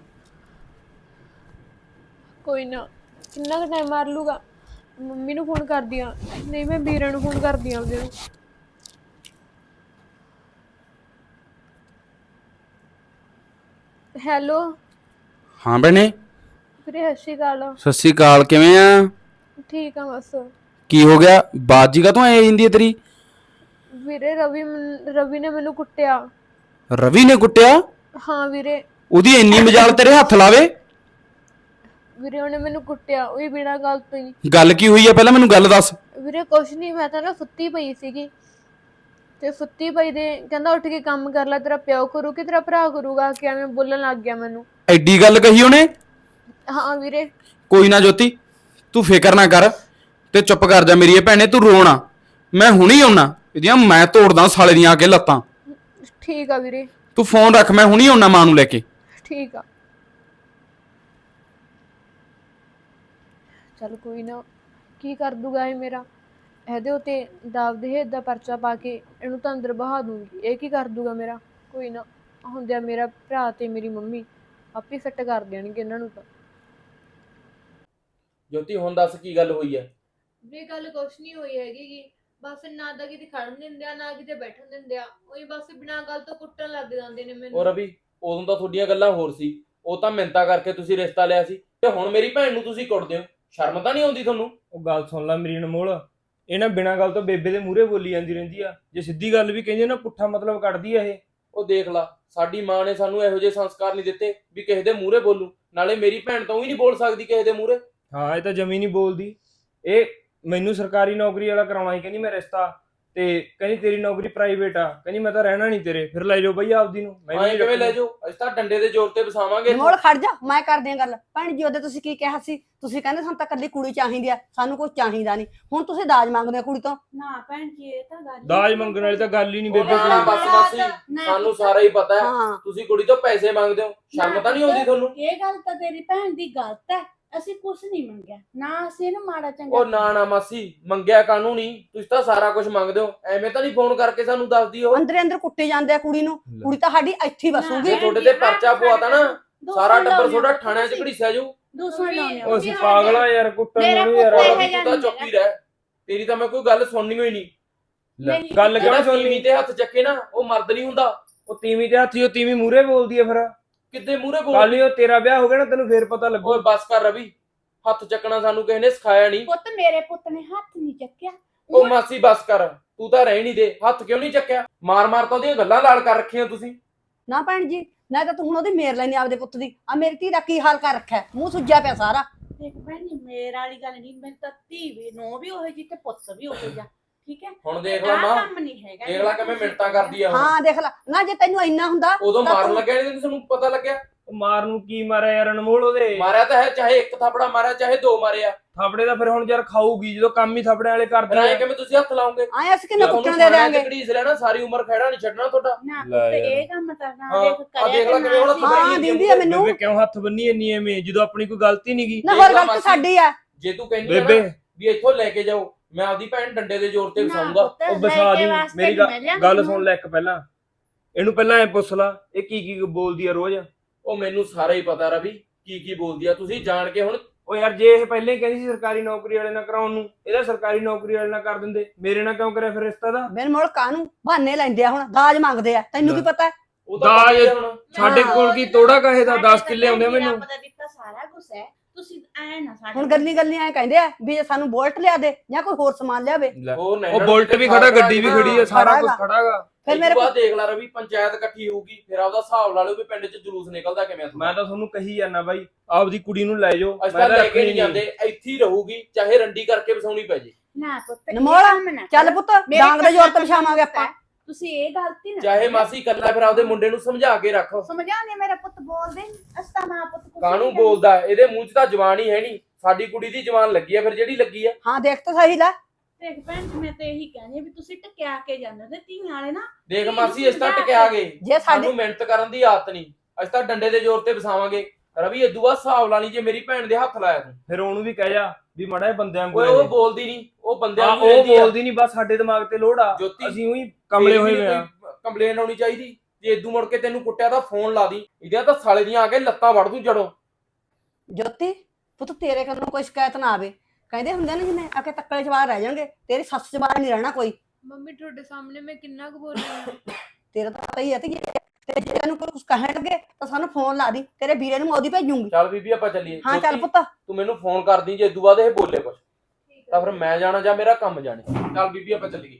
S3: ਕੋਈ ਨਾ, ਕਿੰਨਾ ਕੁ ਟਾਈਮ ਮਾਰ ਲੂਗਾ। ਮੰਮੀ ਨੂੰ ਫੋਨ ਕਰਦੀ ਆ, ਨਹੀਂ ਮੈਂ ਵੀਰੇ ਨੂੰ ਫੋਨ ਕਰਦੀ ਆ ਉਹਦੇ ਨੂੰ। ਹੈਲੋ
S2: ਹਾਂ ਭੈਣੇ,
S3: ਵੀਰੇ ਸਤਿ ਸ਼੍ਰੀ ਅਕਾਲ।
S2: ਸਤਿ ਸ਼੍ਰੀ ਅਕਾਲ। ਕਿਵੇਂ ਆ?
S3: ਠੀਕ ਆ ਬਸ।
S2: ਕੀ ਹੋ ਗਿਆ? ਬਾਜੀ ਕਾ ਤੂੰ ਆਈ ਜਾਂਦੀ ਹੈ ਤੇਰੀ?
S3: ਵੀਰੇ ਰਵੀ ਨੇ ਮੈਨੂੰ ਕੁੱਟਿਆ।
S2: ਰਵੀ ਨੇ ਕੁੱਟਿਆ?
S3: ਹਾਂ ਵੀਰੇ।
S2: ਉਹਦੀ ਇੰਨੀ ਮਜਾਲ ਤੇਰੇ ਹੱਥ ਲਾਵੇ?
S3: ਵੀਰੇ ਉਹਨੇ ਮੈਨੂੰ ਕੁੱਟਿਆ, ਉਹ ਵੀ ਬਿਨਾਂ ਗੱਲ ਤੋਂ ਹੀ।
S2: ਗੱਲ ਕੀ ਹੋਈ ਆ ਪਹਿਲਾਂ ਮੈਨੂੰ ਗੱਲ ਦੱਸ।
S3: ਵੀਰੇ ਕੁਛ ਨਹੀਂ, ਮੈਂ ਤਾਂ ਨਾ ਸੁੱਤੀ ਪਈ ਸੀਗੀ ਤੇ ਸੁੱਤੀ ਪਈ ਦੇ ਕਹਿੰਦਾ ਉੱਠ ਕੇ ਕੰਮ ਕਰ ਲੈ, ਤੇਰਾ ਪਿਓ ਕਰੂ ਕਿ ਤੇਰਾ ਭਰਾ ਕਰੂਗਾ, ਕਿ ਐਵੇਂ ਬੋਲਣ ਲੱਗ ਗਿਆ ਮੈਨੂੰ।
S2: ਐਡੀ ਗੱਲ ਕਹੀ ਉਹਨੇ?
S3: ਹਾਂ ਵੀਰੇ।
S2: ਕੋਈ ਨਾ ਜੋਤੀ, ਤੂੰ ਫਿਕਰ ਨਾ ਕਰ ਤੇ ਚੁੱਪ ਕਰ ਜਾ ਮੇਰੀ ਭੈਣੇ, ਤੂੰ ਰੋਣਾ। ਮੈਂ ਹੁਣੀ ਆਉਣਾ, ਇਹਦੀਆਂ ਮੈਂ ਤੋੜਦਾ ਸਾਲੇ ਦੀਆਂ ਆ ਕੇ ਲੱਤਾਂ।
S3: ਠੀਕ ਆ ਵੀਰੇ।
S2: ਤੂੰ ਫੋਨ ਰੱਖ, ਮੈਂ ਹੁਣੀ ਆਉਣਾ ਮਾਂ ਨੂੰ ਲੈ ਕੇ।
S3: ਠੀਕ ਆ। ਚੱਲ ਕੋਈ ਨਾ, ਕੀ ਕਰ ਦੂਗਾ ਇਹ ਮੇਰਾ? ਇਹਦੇ ਉੱਤੇ ਦਾਵ ਦਹੇਜ ਦਾ ਪਰਚਾ ਪਾ ਕੇ ਇਹਨੂੰ ਤਾਂ ਅੰਦਰ ਬਹਾ ਦੂੰਗੀ। ਇਹ ਕੀ ਕਰ ਦੂਗਾ ਮੇਰਾ? ਕੋਈ ਨਾ, ਹੁੰਦਿਆ ਮੇਰਾ ਭਰਾ ਤੇ ਮੇਰੀ ਮੰਮੀ ਆਪੇ ਫਿੱਟ ਕਰ ਦੇਣਗੇ ਇਹਨਾਂ ਨੂੰ ਤਾਂ।
S2: ਜੋਤੀ ਹੁਣ ਦੱਸ ਕੀ ਗੱਲ ਹੋਈ ਹੈ?
S3: ਵੀ ਗੱਲ ਕੁਛ ਨਹੀਂ ਹੋਈ ਹੈਗੀ, ਬਸ ਨਾ ਤਾਂ ਕਿਤੇ ਖੜਨ ਦਿੰਦੇ ਆ ਨਾ ਕਿਤੇ ਬੈਠਣ ਦਿੰਦੇ ਆ, ਉਹੀ ਬਸ ਬਿਨਾਂ ਗੱਲ ਤੋਂ ਕੁੱਟਣ ਲੱਗ ਜਾਂਦੇ ਨੇ ਮੈਨੂੰ।
S2: ਉਹ ਰਵੀ, ਉਦੋਂ ਤਾਂ ਤੁਹਾਡੀਆਂ ਗੱਲਾਂ ਹੋਰ ਸੀ, ਉਹ ਤਾਂ ਮਿੰਤਾ ਕਰਕੇ ਤੁਸੀਂ ਰਿਸ਼ਤਾ ਲਿਆ ਸੀ, ਤੇ ਹੁਣ ਮੇਰੀ ਭੈਣ ਨੂੰ ਤੁਸੀਂ ਕੁੱਟਦੇ ਹੋ। ਸ਼ਰਮ ਤਾਂ ਨਹੀਂ ਆਉਂਦੀ ਤੁਹਾਨੂੰ?
S4: ਉਹ ਗੱਲ ਸੁਣ ਲੈ ਮੇਰੀ ਅਨਮੋਲ, ਇਹ ਨਾ ਬਿਨਾਂ ਗੱਲ ਤੋਂ ਬੇਬੇ ਦੇ ਮੂਹਰੇ ਬੋਲੀ ਜਾਂਦੀ ਰਹਿੰਦੀ ਆ। ਜੇ ਸਿੱਧੀ ਗੱਲ ਵੀ ਕਹਿੰਦੇ ਨਾ ਪੁੱਠਾ ਮਤਲਬ ਕੱਢਦੀ ਆ ਇਹ।
S2: ਉਹ ਦੇਖ ਲਾ, ਸਾਡੀ ਮਾਂ ਨੇ ਸਾਨੂੰ ਇਹੋ ਜਿਹੇ ਸੰਸਕਾਰ ਨਹੀਂ ਦਿੱਤੇ ਵੀ ਕਿਸੇ ਦੇ ਮੂਹਰੇ ਬੋਲੂ। ਨਾਲੇ ਮੇਰੀ ਭੈਣ ਤਾਂ ਹੀ ਨਹੀਂ ਬੋਲ ਸਕਦੀ ਕਿਸੇ ਦੇ ਮੂਹਰੇ।
S4: ਹਾਂ, ਇਹ ਤਾਂ ਜਮੀ ਨਹੀਂ ਬੋਲਦੀ। ਇਹ ਮੈਨੂੰ ਸਰਕਾਰੀ ਨੌਕਰੀ ਵਾਲਾ ਕਰਾਉਣਾ ਸੀ, ਕਹਿੰਦੀ ਮੈਂ ਰਿਸ਼ਤਾ, ਤੇ ਕਹਿੰਦੀ ਤੇਰੀ ਨੌਕਰੀ ਪ੍ਰਾਈਵੇਟ ਆ, ਕਹਿੰਦੀ ਮੈਂ ਤਾਂ ਰਹਿਣਾ ਨਹੀਂ ਤੇਰੇ। ਫਿਰ ਲੈ ਜਾਓ ਬਈ ਆਪਦੀ ਨੂੰ। ਮੈਂ
S2: ਐਂ ਕਿਵੇਂ ਲੈ ਜਾਓ? ਅਸੀਂ ਤਾਂ ਡੰਡੇ ਦੇ ਜ਼ੋਰ ਤੇ ਵਸਾਵਾਂਗੇ।
S1: ਮੋੜ ਖੜ ਜਾ, ਮੈਂ ਕਰਦੀ ਆ ਗੱਲ। ਭੈਣ ਜੀ ਉਹਦੇ ਤੁਸੀਂ ਕੀ ਕਿਹਾ ਸੀ? ਤੁਸੀਂ ਕਹਿੰਦੇ ਸਾਨੂੰ ਤਾਂ ਕੱਲੀ ਕੁੜੀ ਚਾਹੀਦੀ ਆ, ਸਾਨੂੰ ਕੁਝ ਚਾਹੀਦਾ ਨਹੀਂ। ਹੁਣ ਤੁਸੀਂ ਦਾਜ ਮੰਗਦੇ ਹੋ ਕੁੜੀ ਤੋਂ।
S5: ਨਾ ਭੈਣ ਜੀ, ਇਹ ਤਾਂ ਗੱਲ
S4: ਦਾਜ ਮੰਗਣ ਵਾਲੀ ਤਾਂ ਗੱਲ ਹੀ ਨਹੀਂ ਬੇਬੇ
S2: ਨਾ
S4: ਕੋਲ।
S2: ਬਸ ਮਾਸੀ, ਸਾਨੂੰ ਸਾਰਾ ਹੀ ਪਤਾ ਹੈ
S1: ਹਾਂ,
S2: ਤੁਸੀਂ ਕੁੜੀ ਤੋਂ ਪੈਸੇ ਮੰਗਦੇ ਹੋ। ਸ਼ਰਮ ਤਾਂ ਨਹੀਂ ਆਉਂਦੀ ਤੁਹਾਨੂੰ?
S5: ਇਹ ਗੱਲ ਤਾਂ ਤੇਰੀ ਭੈਣ ਦੀ ਗਲਤ ਹੈ। ਅਸੀਂ ਕੁਝ ਨਹੀਂ ਮੰਗਿਆ, ਨਾ ਅਸੀਂ ਇਹਨੂੰ ਮਾੜਾ ਚੰਗਾ।
S2: ਉਹ ਨਾ ਮਾਸੀ, ਮੰਗਿਆ ਕਾਨੂੰ ਨਹੀਂ, ਤੁਸੀਂ ਤਾਂ ਸਾਰਾ ਕੁਝ ਮੰਗਦੇ ਹੋ। ਐਵੇਂ ਤਾਂ ਨਹੀਂ ਫੋਨ ਕਰਕੇ ਸਾਨੂੰ ਦੱਸਦੀ ਉਹ।
S1: ਅੰਦਰੇ ਅੰਦਰ ਕੁੱਟੇ ਜਾਂਦੇ ਆ ਕੁੜੀ ਨੂੰ। ਕੁੜੀ ਤਾਂ ਸਾਡੀ ਇੱਥੇ ਹੀ ਵਸੂਗੀ।
S2: ਜੇ ਤੁਹਾਡੇ ਤੇ ਪਰਚਾ ਪਵਾਤਾ ਨਾ, ਸਾਰਾ ਟੱਬਰ ਤੁਹਾਡਾ ਥਾਣਿਆਂ 'ਚ ਘੜੀਸਿਆ ਜਾਊ।
S5: ਦੂਸਰਾ ਲਾਉਣੇ
S4: ਉਹ ਅਸੀਂ ਪਾਗਲ ਆ ਯਾਰ, ਕੁੱਟਣ
S5: ਮੇਰਾ
S4: ਨੂੰ ਯਾਰ।
S5: ਪੁੱਤ
S2: ਰਵੀ, ਤੂੰ ਤਾਂ ਚੁੱਪ ਹੀ ਰਹਿ, ਤੇਰੀ ਤਾਂ ਮੈਂ ਕੋਈ ਗੱਲ ਸੁਣਨੀ ਹੋਈ ਨਹੀਂ।
S4: ਗੱਲ ਕਿਉਂ
S2: ਜਿਹੜਾ
S4: ਸੁਣਨੀ?
S2: ਤੀਵੀਂ ਤੇ ਹੱਥ ਚੱਕੇ ਨਾ, ਉਹ ਮਰਦ ਨਹੀਂ ਹੁੰਦਾ।
S4: ਉਹ ਤੀਵੀਂ ਤੇ ਹੱਥੀ, ਉਹ ਤੀਵੀਂ ਮੂਹਰੇ ਬੋਲਦੀ ਆ। ਫਿਰ
S2: ਕਿੱਦੇ ਮੂਹਰੇ
S4: ਕੱਲ
S2: ਬੋਲ?
S4: ਹੀ ਉਹ ਤੇਰਾ ਵਿਆਹ ਹੋ ਗਿਆ ਨਾ, ਤੈਨੂੰ ਫੇਰ ਪਤਾ ਲੱਗੂ।
S2: ਓਏ ਬਸ ਕਰ ਰਵੀ, ਹੱਥ ਚੱਕਣਾ ਸਾਨੂੰ ਕਿਸੇ ਨੇ ਸਿਖਾਇਆ ਨਹੀਂ।
S5: ਪੁੱਤ ਮੇਰੇ ਪੁੱਤ ਨੇ ਹੱਥ ਨਹੀਂ ਚੱਕਿਆ।
S2: ਉਹ ਮਾਸੀ ਬਸ ਕਰ, ਤੂੰ ਤਾਂ ਰਹਿ ਨਹੀਂ ਦੇ। ਹੱਥ ਕਿਉਂ ਨਹੀਂ ਚੱਕਿਆ? ਮਾਰ ਮਾਰ ਤਾਂ ਉਹਦੀਆਂ ਗੱਲਾਂ ਲਾਲ ਕਰ ਰੱਖੀਆਂ ਤੁਸੀਂ।
S1: ਨਾ ਭੈਣ ਜੀ, ਨਾ ਤਾਂ ਤੂੰ ਹੁਣ ਉਹਦੀ ਮੇਰ ਲੈਣੀ ਆਪਦੇ ਪੁੱਤ ਦੀ। ਆ ਮੇਰੀ ਧੀ ਦਾ ਕੀ ਹਾਲ ਕਰ ਰੱਖਿਆ, ਮੂੰਹ ਸੁੱਜਿਆ ਪਿਆ ਸਾਰਾ।
S5: ਦੇਖ ਭੈਣ ਜੀ, ਮੇਰਾ ਵਾਲੀ ਗੱਲ ਨਹੀਂ। ਮੈਂ ਤਾਂ ਧੀ ਵੀ ਨੋ ਵੀ ਉਹੋ ਜੀ ਤੇ ਪੁੱਤ ਵੀ ਉਹੋ ਜਿਹਾ, ਠੀਕ ਹੈ।
S2: ਹੁਣ ਦੇਖ ਲੈ
S5: ਆਹ
S2: ਮਾਂ,
S5: ਕੰਮ ਨਹੀਂ ਹੈਗਾ।
S2: ਦੇਖ ਲੈ ਕਿਵੇਂ ਮਿੰਟਾਂ ਕਰਦੀ ਆ ਹੁਣ।
S1: ਹਾਂ ਦੇਖ ਲੈ, ਨਾ ਜੇ ਤੈਨੂੰ ਇੰਨਾ ਹੁੰਦਾ
S2: ਉਦੋਂ
S1: ਤਾਂ
S2: ਮਾਰਨ
S1: ਤੂੰ-
S2: ਲੱਗਿਆ ਨਹੀਂ ਤੁਹਾਨੂੰ ਪਤਾ ਲੱਗਿਆ?
S4: ਉਹ ਮਾਰ ਨੂੰ ਕੀ ਮਾਰਿਆ ਯਾਰ ਅਨਮੋਲ? ਉਹਦੇ
S2: ਮਾਰਿਆ ਤਾਂ ਹੈ, ਚਾਹੇ ਇੱਕ ਥਾਪੜਾ ਮਾਰਿਆ ਚਾਹੇ ਦੋ ਮਾਰਿਆ।
S4: ਥਾਪੜੇ ਦਾ ਫਿਰ ਹੁਣ ਯਾਰ ਖਾਊਗੀ ਜਦੋਂ ਕੰਮ ਹੀ ਥਾਪੜੇ ਵਾਲੇ ਕਰਦੇ
S2: ਰਾਏ
S4: ਆ।
S2: ਕਿਵੇਂ ਤੁਸੀਂ ਹੱਥ ਲਾਉਂਗੇ?
S1: ਆਏ ਅਸੀਂ ਕਿੰਨੇ ਕੁੱਟਣ ਦੇ ਦਿਆਂਗੇ।
S2: ਘੜੀਸ ਲੈਣਾ ਸਾਰੀ ਉਮਰ ਖੜਾ ਨਹੀਂ ਛੱਡਣਾ ਤੁਹਾਡਾ।
S5: ਨਾ
S4: ਲੈ
S5: ਤੇ
S4: ਯਾਰ।
S5: ਇਹ ਕੰਮ ਤਾਂ ਨਾ
S2: ਹਾਂ,
S5: ਦੇਖ
S2: ਆ ਦੇਖ ਲੈ
S5: ਕਰਿਆ
S2: ਕਿਵੇਂ ਹੁਣ
S5: ਕਰਨਾ
S1: ਹਾਂ
S5: ਸੀ।
S1: ਦਿੰਦੀ ਆ ਮੈਨੂੰ।
S4: ਬੇਬੇ ਕਿਉਂ ਹੱਥ ਬੰਨੀ ਇੰਨੀ ਐਵੇਂ ਜਦੋਂ ਆਪਣੀ ਕੋਈ ਗਲਤੀ ਨਹੀਂ ਗਈ।
S1: ਨਾ
S2: ਦੇਖ
S1: ਹੋਰ
S2: ਲਾ
S1: ਗਲਤੀ
S2: ਮਾਸੀ।
S1: ਸਾਡੀ ਆ।
S2: ਜੇ ਤੂੰ ਕਹਿੰਦੀ ਆ
S4: ਬੇਬੇ
S2: ਨਾ ਵੀ ਇੱਥੋਂ ਲੈ ਕੇ ਜਾਓ, ਮੈਂ ਆਪਦੀ ਭੈਣ ਡੰਡੇ ਦੇ ਜ਼ੋਰ ਤੇ
S5: ਨਾ
S2: ਵਸਾਊਂਗਾ।
S5: ਪੁੱਤ,
S4: ਉਹ
S5: ਲੈ
S4: ਬਸਾ
S5: ਕੇ
S4: ਦੀ
S5: ਵਾਸਤੇ
S4: ਮੇਰੀ
S5: ਨਹੀਂ ਮਿਲਿਆ
S4: ਗੱਲ
S5: ਮੈਨੂੰ।
S4: ਸੁਣ ਲੈ ਇੱਕ ਪਹਿਲਾਂ ਇਹਨੂੰ ਪਹਿਲਾਂ ਐ ਪੁੱਛ ਲਾ ਇਹ ਕੀ ਬੋਲਦੀ ਆ ਰੋਜ਼।
S2: ਉਹ ਮੈਨੂੰ ਸਾਰਾ ਹੀ ਪਤਾ ਰਵੀ ਕੀ ਬੋਲਦੀ ਆ। ਤੁਸੀਂ ਜਾਣ ਕੇ ਹੁਣ
S4: ਉਹ ਯਾਰ ਜੇ ਇਹ ਪਹਿਲਾਂ ਹੀ ਕਹਿੰਦੀ ਸੀ ਸਰਕਾਰੀ ਨੌਕਰੀ ਵਾਲੇ ਨਾਲ ਕਰਾਉਣ ਨੂੰ, ਇਹਦਾ ਸਰਕਾਰੀ ਨੌਕਰੀ ਵਾਲੇ ਨਾਲ ਕਰ ਦਿੰਦੇ, ਮੇਰੇ ਨਾਲ ਕਿਉਂ ਕਰਿਆ ਫਿਰ ਰਿਸ਼ਤਾ ਦਾ?
S1: ਬਿਨ ਮੁੜ ਕਾਹਨੂੰ ਬਹਾਨੇ ਲੈਂਦੇ ਆ, ਹੁਣ ਦਾਜ ਮੰਗਦੇ ਆ, ਤੈਨੂੰ ਕੀ ਪਤਾ?
S2: ਉਹ ਤਾਂ ਪਤਾ ਹੀ ਆ ਹੁਣ।
S4: ਸਾਡੇ
S1: ਹਾਂ।
S4: ਕੋਲ ਕੀ ਤੋੜਾ ਕਹੇ ਦਾ
S5: ਸਾਡੇ
S4: 10
S5: ਤਾਂ
S4: ਕਿੱਲੇ ਆਉਂਦੇ ਆ
S5: ਭੈਣ ਜੀ
S4: ਮੈਨੂੰ।
S5: ਰੱਬ ਦਾ ਦਿੱਤਾ ਸਾਰਾ ਕੁਝ ਹੈ, ਤੁਸੀਂ ਐ ਨਾ ਸਾਡੇ
S1: ਹੁਣ ਗੱਲੀ ਐ ਕਹਿੰਦੇ ਆ ਵੀ ਜੇ ਸਾਨੂੰ ਬੋਲਟ ਲਿਆ ਦੇ ਜਾਂ ਕੋਈ ਹੋਰ ਸਮਾਨ ਲਿਆਵੇ।
S2: ਉਹ
S4: ਉਹ ਬੁਲਟ ਵੀ ਖੜਾ, ਗੱਡੀ ਵੀ ਖੜੀ ਆ, ਸਾਰਾ ਕੁਝ ਖੜਾਗਾ।
S1: ਫਿਰ ਮੇਰੇ
S2: ਬਾਅਦ ਦੇਖ ਲੈ ਰਵੀ, ਪੰਚਾਇਤ ਇਕੱਠੀ ਹੋਊਗੀ, ਫਿਰ ਆਪਦਾ ਹਿਸਾਬ ਲਾ ਲਿਓ ਵੀ ਪਿੰਡ 'ਚ ਜਲੂਸ ਨਿਕਲਦਾ ਕਿਵੇਂ ਆ।
S4: ਮੈਂ ਤਾਂ ਤੁਹਾਨੂੰ ਕਹੀ ਜਾਂਦਾ ਬਾਈ ਆਪਦੀ ਕੁੜੀ ਨੂੰ ਲੈ ਜਾਓ।
S2: ਅਸੀਂ ਤਾਂ ਲੈ ਕੇ ਨਹੀਂ ਜਾਂਦੇ, ਇੱਥੇ ਹੀ ਰਹੂਗੀ, ਚਾਹੇ ਰੰਡੀ ਕਰਕੇ ਵਸਾਉਣੀ ਪੈ ਜੇ।
S5: ਨਾ ਪੁੱਤ ਇਹ
S1: ਨਮੋਲ,
S5: ਕੰਮ ਨਾ
S1: ਚੱਲ
S5: ਕਰੋ।
S1: ਪੁੱਤ
S5: ਮੇਰੇ
S1: ਡਾਂਗ ਦੇ ਜ਼ੋਰ ਤੇ
S5: ਕੰਨਾਂ
S1: ਵਿਛਾਵਾਂਗੇ ਆਪਾਂ।
S5: ਤੁਸੀਂ ਇਹ ਗਲਤੀ ਨਾ
S2: ਚਾਹੇ
S5: ਕਰੋ।
S2: ਮਾਸੀ ਕੱਲਾ ਫਿਰ ਆਪਦੇ ਮੁੰਡੇ ਨੂੰ ਸਮਝਾ ਕੇ ਰੱਖ।
S5: ਸਮਝਾਉਂਦੇ ਮੇਰਾ ਪੁੱਤ ਬੋਲਦੇ ਅਸਤਾ ਮਾਂ ਪੁੱਤ ਕੁਛ
S2: ਕਾਹਨੂੰ
S5: ਨਹੀਂ ਕਹਿੰਦੇ।
S2: ਬੋਲਦਾ? ਇਹਦੇ ਮੂੰਹ 'ਚ ਤਾਂ ਜ਼ਬਾਨ ਹੀ ਹੈ ਨਹੀਂ। ਸਾਡੀ ਕੁੜੀ ਦੀ ਜ਼ਬਾਨ ਲੱਗੀ ਆ, ਫਿਰ ਜਿਹੜੀ ਲੱਗੀ ਆ।
S1: ਹਾਂ ਦੇਖ ਤਾਂ ਸਹੀ ਲੈ।
S5: ਦੇਖ ਭੈਣ ਜੀ ਮੈਂ ਤੇ ਇਹੀ ਕਹਿੰਦੀ ਵੀ ਤੁਸੀਂ ਟਕਿਆ ਕੇ ਜਾਂਦੇ ਹੋ ਤੇ ਧੀਆਂ ਵਾਲੇ ਨਾ
S2: ਦੇਖ ਮਾਸੀ, ਇਸ ਤਾਂ ਟਕਿਆ ਗਏ।
S1: ਜੇ ਸਾਡੀ
S2: ਸਾਨੂੰ ਮਿਹਨਤ ਕਰਨ ਦੀ ਆਦਤ ਨਹੀਂ, ਅਸੀਂ ਤਾਂ ਡੰਡੇ ਦੇ ਜ਼ੋਰ ਤੇ ਵਸਾਵਾਂਗੇ। ਰਵੀ ਇਦੋਂ ਬਾਅਦ ਹਿਸਾਬ ਲਾ ਲਈ ਜੇ ਮੇਰੀ ਭੈਣ ਦੇ ਹੱਥ ਲਾਇਆ ਤੂੰ।
S4: ਫਿਰ ਉਹਨੂੰ ਵੀ ਕਹਿ ਜਾ ਵੀ ਮੜਾ ਇਹ ਬੰਦਿਆਂ
S2: ਓਏ ਉਹ ਬੋਲਦੀ ਨਹੀਂ, ਉਹ ਬੰਦਿਆਂ ਨੂੰ
S4: ਉਹ
S2: ਰਹਿੰਦੀ ਆ।
S4: ਬੋਲਦੀ ਨਹੀਂ, ਬਸ ਸਾਡੇ ਦਿਮਾਗ ਤੇ ਲੋੜ ਆ।
S2: ਜੋਤੀ,
S4: ਅਸੀਂ ਉਹੀ ਕਮਲੇ ਹੋਏ ਹੋਏ ਆ।
S2: ਕੰਪਲੇਨ ਆਉਣੀ ਚਾਹੀਦੀ। ਜੇ ਇਦੋਂ ਮੁੜ ਕੇ ਤੈਨੂੰ ਕੁੱਟਿਆ ਤਾਂ ਫੋਨ ਲਾ ਦੀ, ਇਹਦੀਆਂ ਤਾਂ ਸਾਲੇ ਦੀਆਂ ਆ ਕੇ ਲੱਤਾਂ ਵੜ ਦੂੰ ਜੜੋਂ।
S1: ਜੋਤੀ ਪੁੱਤ ਤੇਰੇ ਕੋਲੋਂ ਕੋਈ ਸ਼ਿਕਾਇਤ ਨਾ ਆਵੇ। ਕਹਿੰਦੇ ਹੁੰਦੇ ਨੇ ਜਿਵੇਂ ਆ ਕੇ ਤੱਕਲੇ ਜਵਾਰ ਰਹਿ ਜਾਣਗੇ, ਤੇਰੀ ਸੱਸ ਜਵਾਰ ਨਹੀਂ ਰਹਿਣਾ ਕੋਈ।
S3: ਮੰਮੀ ਤੁਹਾਡੇ ਸਾਹਮਣੇ ਮੈਂ ਕਿੰਨਾ ਕੁ ਬੋਲੀ ਆ।
S1: ਤੇਰਾ ਤਾਂ ਪਤਾ ਹੀ ਹੈ ਤੇ ਜੇ ਤੈਨੂੰ ਕੋਈ ਕੁਝ ਕਹਿਣ ਲੱਗੇ ਤਾਂ ਸਾਨੂੰ ਫੋਨ ਲਾ ਦੀ, ਤੇਰੇ ਵੀਰੇ ਨੂੰ ਉਹਦੀ ਭੇਜੂਗੀ।
S2: ਚੱਲ ਬੀਬੀ ਆਪਾਂ ਚੱਲੀਏ।
S1: ਹਾਂ ਚੱਲ
S2: ਜੋਤੀ,
S1: ਪੁੱਤ।
S2: ਤੂੰ ਮੈਨੂੰ ਫੋਨ ਕਰਦੀ ਜੇ ਇਦੋਂ ਬਾਅਦ ਇਹ ਬੋਲੇ ਕੁਛ ਤਾਂ ਫਿਰ ਮੈਂ ਜਾਣਾ ਜਾਂ ਮੇਰਾ ਕੰਮ ਜਾਣੇ। ਚੱਲ ਬੀਬੀ ਆਪਾਂ ਚੱਲੀਏ।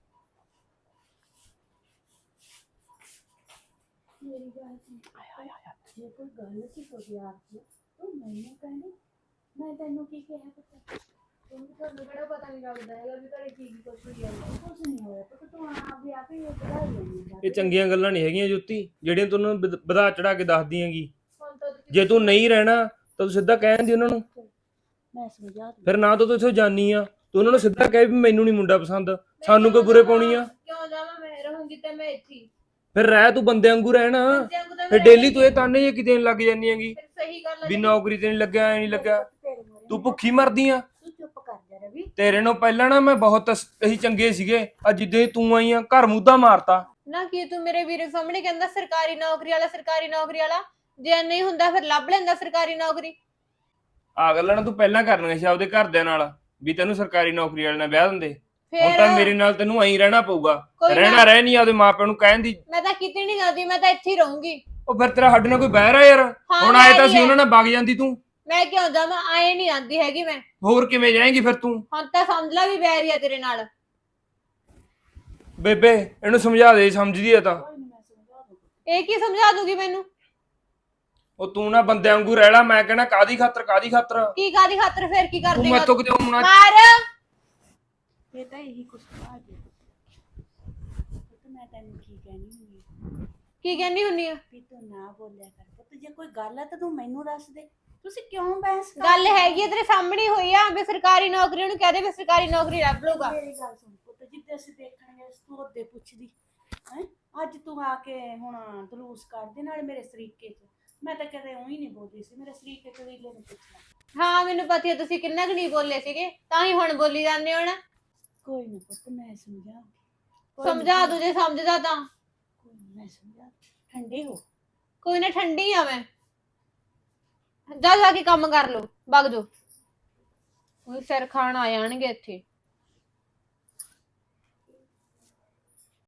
S5: ਮੇਰੀ ਗੱਲ ਸੁਣ ਜੇ ਕੋਈ ਗੱਲ ਸੀ ਤੁਹਾਡੀ ਆਪ ਦੀ ਤੂੰ ਮੈਨੂੰ ਕਹਿੰਦੀ ਮੈਂ ਤੈਨੂੰ ਕੀ ਕਿਹਾ ਪੁੱਤ
S3: ਤੁਹਾਨੂੰ ਕਿਹੜਾ ਪਤਾ ਨਹੀਂ ਲੱਗਦਾ ਹੈਗਾ ਵੀ ਘਰੇ ਕੀ ਕੁਛ ਹੋਈ ਜਾਂਦਾ।
S5: ਕੁਝ ਨਹੀਂ ਹੋਇਆ ਪੁੱਤ ਤੂੰ ਆਪ ਹੀ ਵਧਾਈ ਲੈਂਦੀ
S4: ਇਹ ਚੰਗੀਆਂ ਗੱਲਾਂ ਨਹੀਂ ਹੈਗੀਆਂ ਜੋਤੀ, ਜਿਹੜੀਆਂ ਤੂੰ ਉਹਨਾਂ ਨੂੰ ਵਧਾ ਚੜਾ ਕੇ ਦੱਸਦੀ ਹੈਗੀ।
S3: ਹੁਣ ਤਾਂ ਤੁਸੀਂ
S4: ਜੇ ਤੂੰ ਨਹੀਂ ਰਹਿਣਾ ਤਾਂ ਤੂੰ ਸਿੱਧਾ ਕਹਿ ਦਿੰਦੀ ਉਹਨਾਂ ਨੂੰ।
S5: ਮੈਂ ਸਮਝਾ ਦੂੰ
S4: ਫਿਰ ਨਾ ਤਾਂ ਤੂੰ ਇੱਥੋਂ ਜਾਨੀ ਆ, ਤੂੰ ਉਹਨਾਂ ਨੂੰ ਸਿੱਧਾ ਕਹਿ ਵੀ ਮੈਨੂੰ ਨਹੀਂ ਮੁੰਡਾ ਪਸੰਦ, ਸਾਨੂੰ ਕੋਈ ਬੁਰੇ ਪਾਉਣੀ ਆ।
S3: ਕਿਉਂ ਜਾਵਾਂ? ਮੈਂ ਰਹੂੰਗੀ ਤੇ ਮੈਂ ਇੱਥੇ ਹੀ।
S4: ਫਿਰ ਰਹਿ ਤੂੰ ਬੰਦੇ ਵਾਂਗੂ ਰਹਿਣਾ।
S3: ਬੱਚਿਆਂ ਨੂੰ ਤਾਂ
S4: ਫਿਰ
S3: ਮੈਂ
S4: ਡੇਲੀ ਤੂੰ ਇਹ ਤਾਨੇ ਜੇ ਕਿਤੇ ਲੱਗ ਜਾਨੀ ਹੈਗੀ
S3: ਫਿਰ ਸਹੀ ਗੱਲ ਹੈ
S4: ਵੀ ਨੌਕਰੀ ਤੇ ਨਹੀਂ ਲੱਗਿਆ, ਐ ਨਹੀਂ ਲੱਗਿਆ।
S5: ਤੇਰੇ ਮੂਹਰੇ
S4: ਤੂੰ
S5: ਨਾ
S4: ਭੁੱਖੀ ਮਰਦੀ ਆ।
S5: ਤੂੰ ਚੁੱਪ ਕਰ ਜਾ ਰਵੀ
S4: ਤੇਰੇ ਨੂੰ ਪਹਿਲਾਂ ਨਾ ਮੈਂ ਬਹੁਤ ਅਸੀਂ ਚੰਗੇ ਸੀਗੇ, ਅੱਜ ਜਿੱਦੇ ਤੂੰ ਆਈ ਆ ਘਰ ਮੁੱਦਾ ਮਾਰਤਾ।
S3: ਨਾ ਕੀ ਤੂੰ ਮੇਰੇ ਵੀਰੇ ਸਾਹਮਣੇ ਕਹਿੰਦਾ ਸਰਕਾਰੀ ਨੌਕਰੀ ਵਾਲਾ ਸਰਕਾਰੀ ਨੌਕਰੀ ਵਾਲਾ, ਜੇ ਨਹੀਂ ਹੁੰਦਾ ਫਿਰ ਲੱਭ ਲੈਂਦਾ ਸਰਕਾਰੀ ਨੌਕਰੀ।
S4: ਆ ਗੱਲਾਂ ਨਾ ਤੂੰ ਪਹਿਲਾਂ ਕਰਨੀਆਂ ਸੀ ਆਪਦੇ ਘਰਦਿਆਂ ਨਾਲ ਵੀ ਤੈਨੂੰ ਸਰਕਾਰੀ ਨੌਕਰੀ ਵਾਲੇ ਨਾਲ ਵਿਆਹ ਦਿੰਦੇ। ਹੁਣ
S3: ਫਿਰ
S4: ਤਾਂ ਮੇਰੇ ਨਾਲ ਤੈਨੂੰ ਐਂ ਰਹਿਣਾ ਪਊਗਾ।
S3: ਕੋਈ
S4: ਰਹਿਣਾ
S3: ਨਾ,
S4: ਰਹਿ ਨਹੀਂ ਆਪਦੇ ਮਾਪਿਆਂ ਨੂੰ ਕਹਿਣ ਦੀ।
S3: ਮੈਂ ਤਾਂ ਕਿਤੇ ਨਹੀਂ ਜਾਂਦੀ, ਮੈਂ ਤਾਂ ਇੱਥੇ ਹੀ ਰਹੂੰਗੀ।
S4: ਉਹ ਫਿਰ ਤੇਰਾ ਸਾਡੇ ਨਾਲ ਕੋਈ ਬਹਿਰ ਆ ਯਾਰ।
S3: ਹਾਂ,
S4: ਹੁਣ ਆਏ ਤਾਂ
S3: ਬਹਿਰ ਹੀ
S4: ਸੀ
S3: ਹੈ।
S4: ਉਹਨਾਂ ਨਾਲ ਵਗ ਜਾਂਦੀ ਤੂੰ,
S3: ਮੈਂ ਕਿਉਂ ਜਾਵਾਂ? ਆਏ ਨਹੀਂ ਜਾਂਦੀ ਹੈਗੀ ਮੈਂ।
S4: ਹੋਰ ਕਿਵੇਂ ਜਾਏਂਗੀ ਫਿਰ ਤੂੰ?
S3: ਹੁਣ ਤਾਂ ਸਮਝ ਲੈ ਵੀ ਬੈਰੀ ਆ ਤੇਰੇ ਨਾਲ।
S4: ਬੇਬੇ ਇਹਨੂੰ ਸਮਝਾ ਦੇ, ਸਮਝਦੀ ਆ ਤਾਂ।
S5: ਕੋਈ ਨਹੀਂ ਮੈਂ ਸਮਝਾ ਦੂੰ
S3: ਇਹ ਕੀ ਸਮਝਾ ਦੂਗੀ ਮੈਨੂੰ?
S4: ਉਹ ਤੂੰ ਨਾ ਬੰਦਿਆਂ ਵਾਂਗੂ ਰਹਿ ਲੈ। ਮੈਂ ਕਹਿਣਾ ਕਾਦੀ ਖਾਤਰ ਕਾਦੀ ਖਾਤਰ
S3: ਕੀ ਕਾਦੀ ਖਾਤਰ? ਫਿਰ ਕੀ ਕਰ
S4: ਤੂੰ
S3: ਦੇਗਾ?
S4: ਮੈਥੋਂ ਕਿਤੇ ਹੋਣਾ।
S3: ਮਾਰ।
S5: ਇਹ ਤਾਂ ਇਹੀ ਕੁਛ ਆ ਗਿਆ ਪੁੱਤ ਮੈਂ ਤੈਨੂੰ ਕੀ ਕਹਿਣੀ ਹੁੰਦੀ ਆ
S3: ਕੀ ਕਹਿੰਦੀ ਹੁੰਨੀ ਆ?
S5: ਵੀ ਤੂੰ ਨਾ ਬੋਲਿਆ ਕਰ ਪੁੱਤ ਜੇ ਕੋਈ ਗੱਲ ਆ ਤਾਂ ਤੂੰ ਮੈਨੂੰ ਦੱਸ ਦੇ ਤੁਸੀਂ ਕਿਉਂ ਬਹਿਸ ਕਰ
S3: ਗੱਲ ਹੈਗੀ ਆ, ਤੇਰੇ ਸਾਹਮਣੇ ਹੀ ਹੋਈ ਆ ਵੀ ਸਰਕਾਰੀ ਨੌਕਰੀ ਨੂੰ ਕਹਦੇ ਵੀ ਸਰਕਾਰੀ ਨੌਕਰੀ ਲੱਭ ਲਊਗਾ।
S5: ਮੇਰੀ ਗੱਲ ਸੁਣ ਪੁੱਤ ਜਿੱਦੇ ਅਸੀਂ ਦੇਖਣ ਗਏ ਤੂੰ ਉਹਦੇ ਪੁੱਛਦੀ ਹੈ ਅੱਜ ਤੂੰ ਆ ਕੇ ਹੁਣ ਦਲੂਸ ਕਰਦੇ ਨਾਲ ਮੇਰੇ ਸਰੀਕੇ ਚ ਮੈਂ ਤਾਂ ਕਦੇ ਉਹੀ ਨਹੀਂ ਬੋਲਦੀ ਸੀ ਮੇਰੇ ਸਰੀਕੇ ਚ ਵੀਲੇ ਨੂੰ ਪੁੱਛਣਾ
S3: ਹਾਂ ਮੈਨੂੰ ਪਤਾ ਹੈ ਤੁਸੀਂ ਕਿੰਨਾ ਕੁ ਨਹੀਂ ਬੋਲੇ ਸੀਗੇ, ਤਾਂ ਹੀ ਹੁਣ ਬੋਲੀ ਜਾਂਦੇ ਹੋ ਨਾ।
S5: ਕੋਈ ਨਾ ਪੁੱਤ ਮੈਂ ਸਮਝਾਉਂਗੀ
S3: ਸਮਝਾ ਦੂ ਜੇ ਸਮਝਦਾ ਤਾਂ।
S5: ਕੋਈ ਨੀ, ਮੈਂ ਸਮਝਾ ਠੰਡੀ ਹੋ
S3: ਕੋਈ ਨਾ, ਠੰਡੀ ਆ ਮੈਂ। ਜਾ ਕੇ ਕੰਮ ਕਰ ਲੋ, ਵਗ ਜਾਓ। ਉਹ ਸਿਰ ਖਾਣ ਆ ਜਾਣਗੇ ਇੱਥੇ।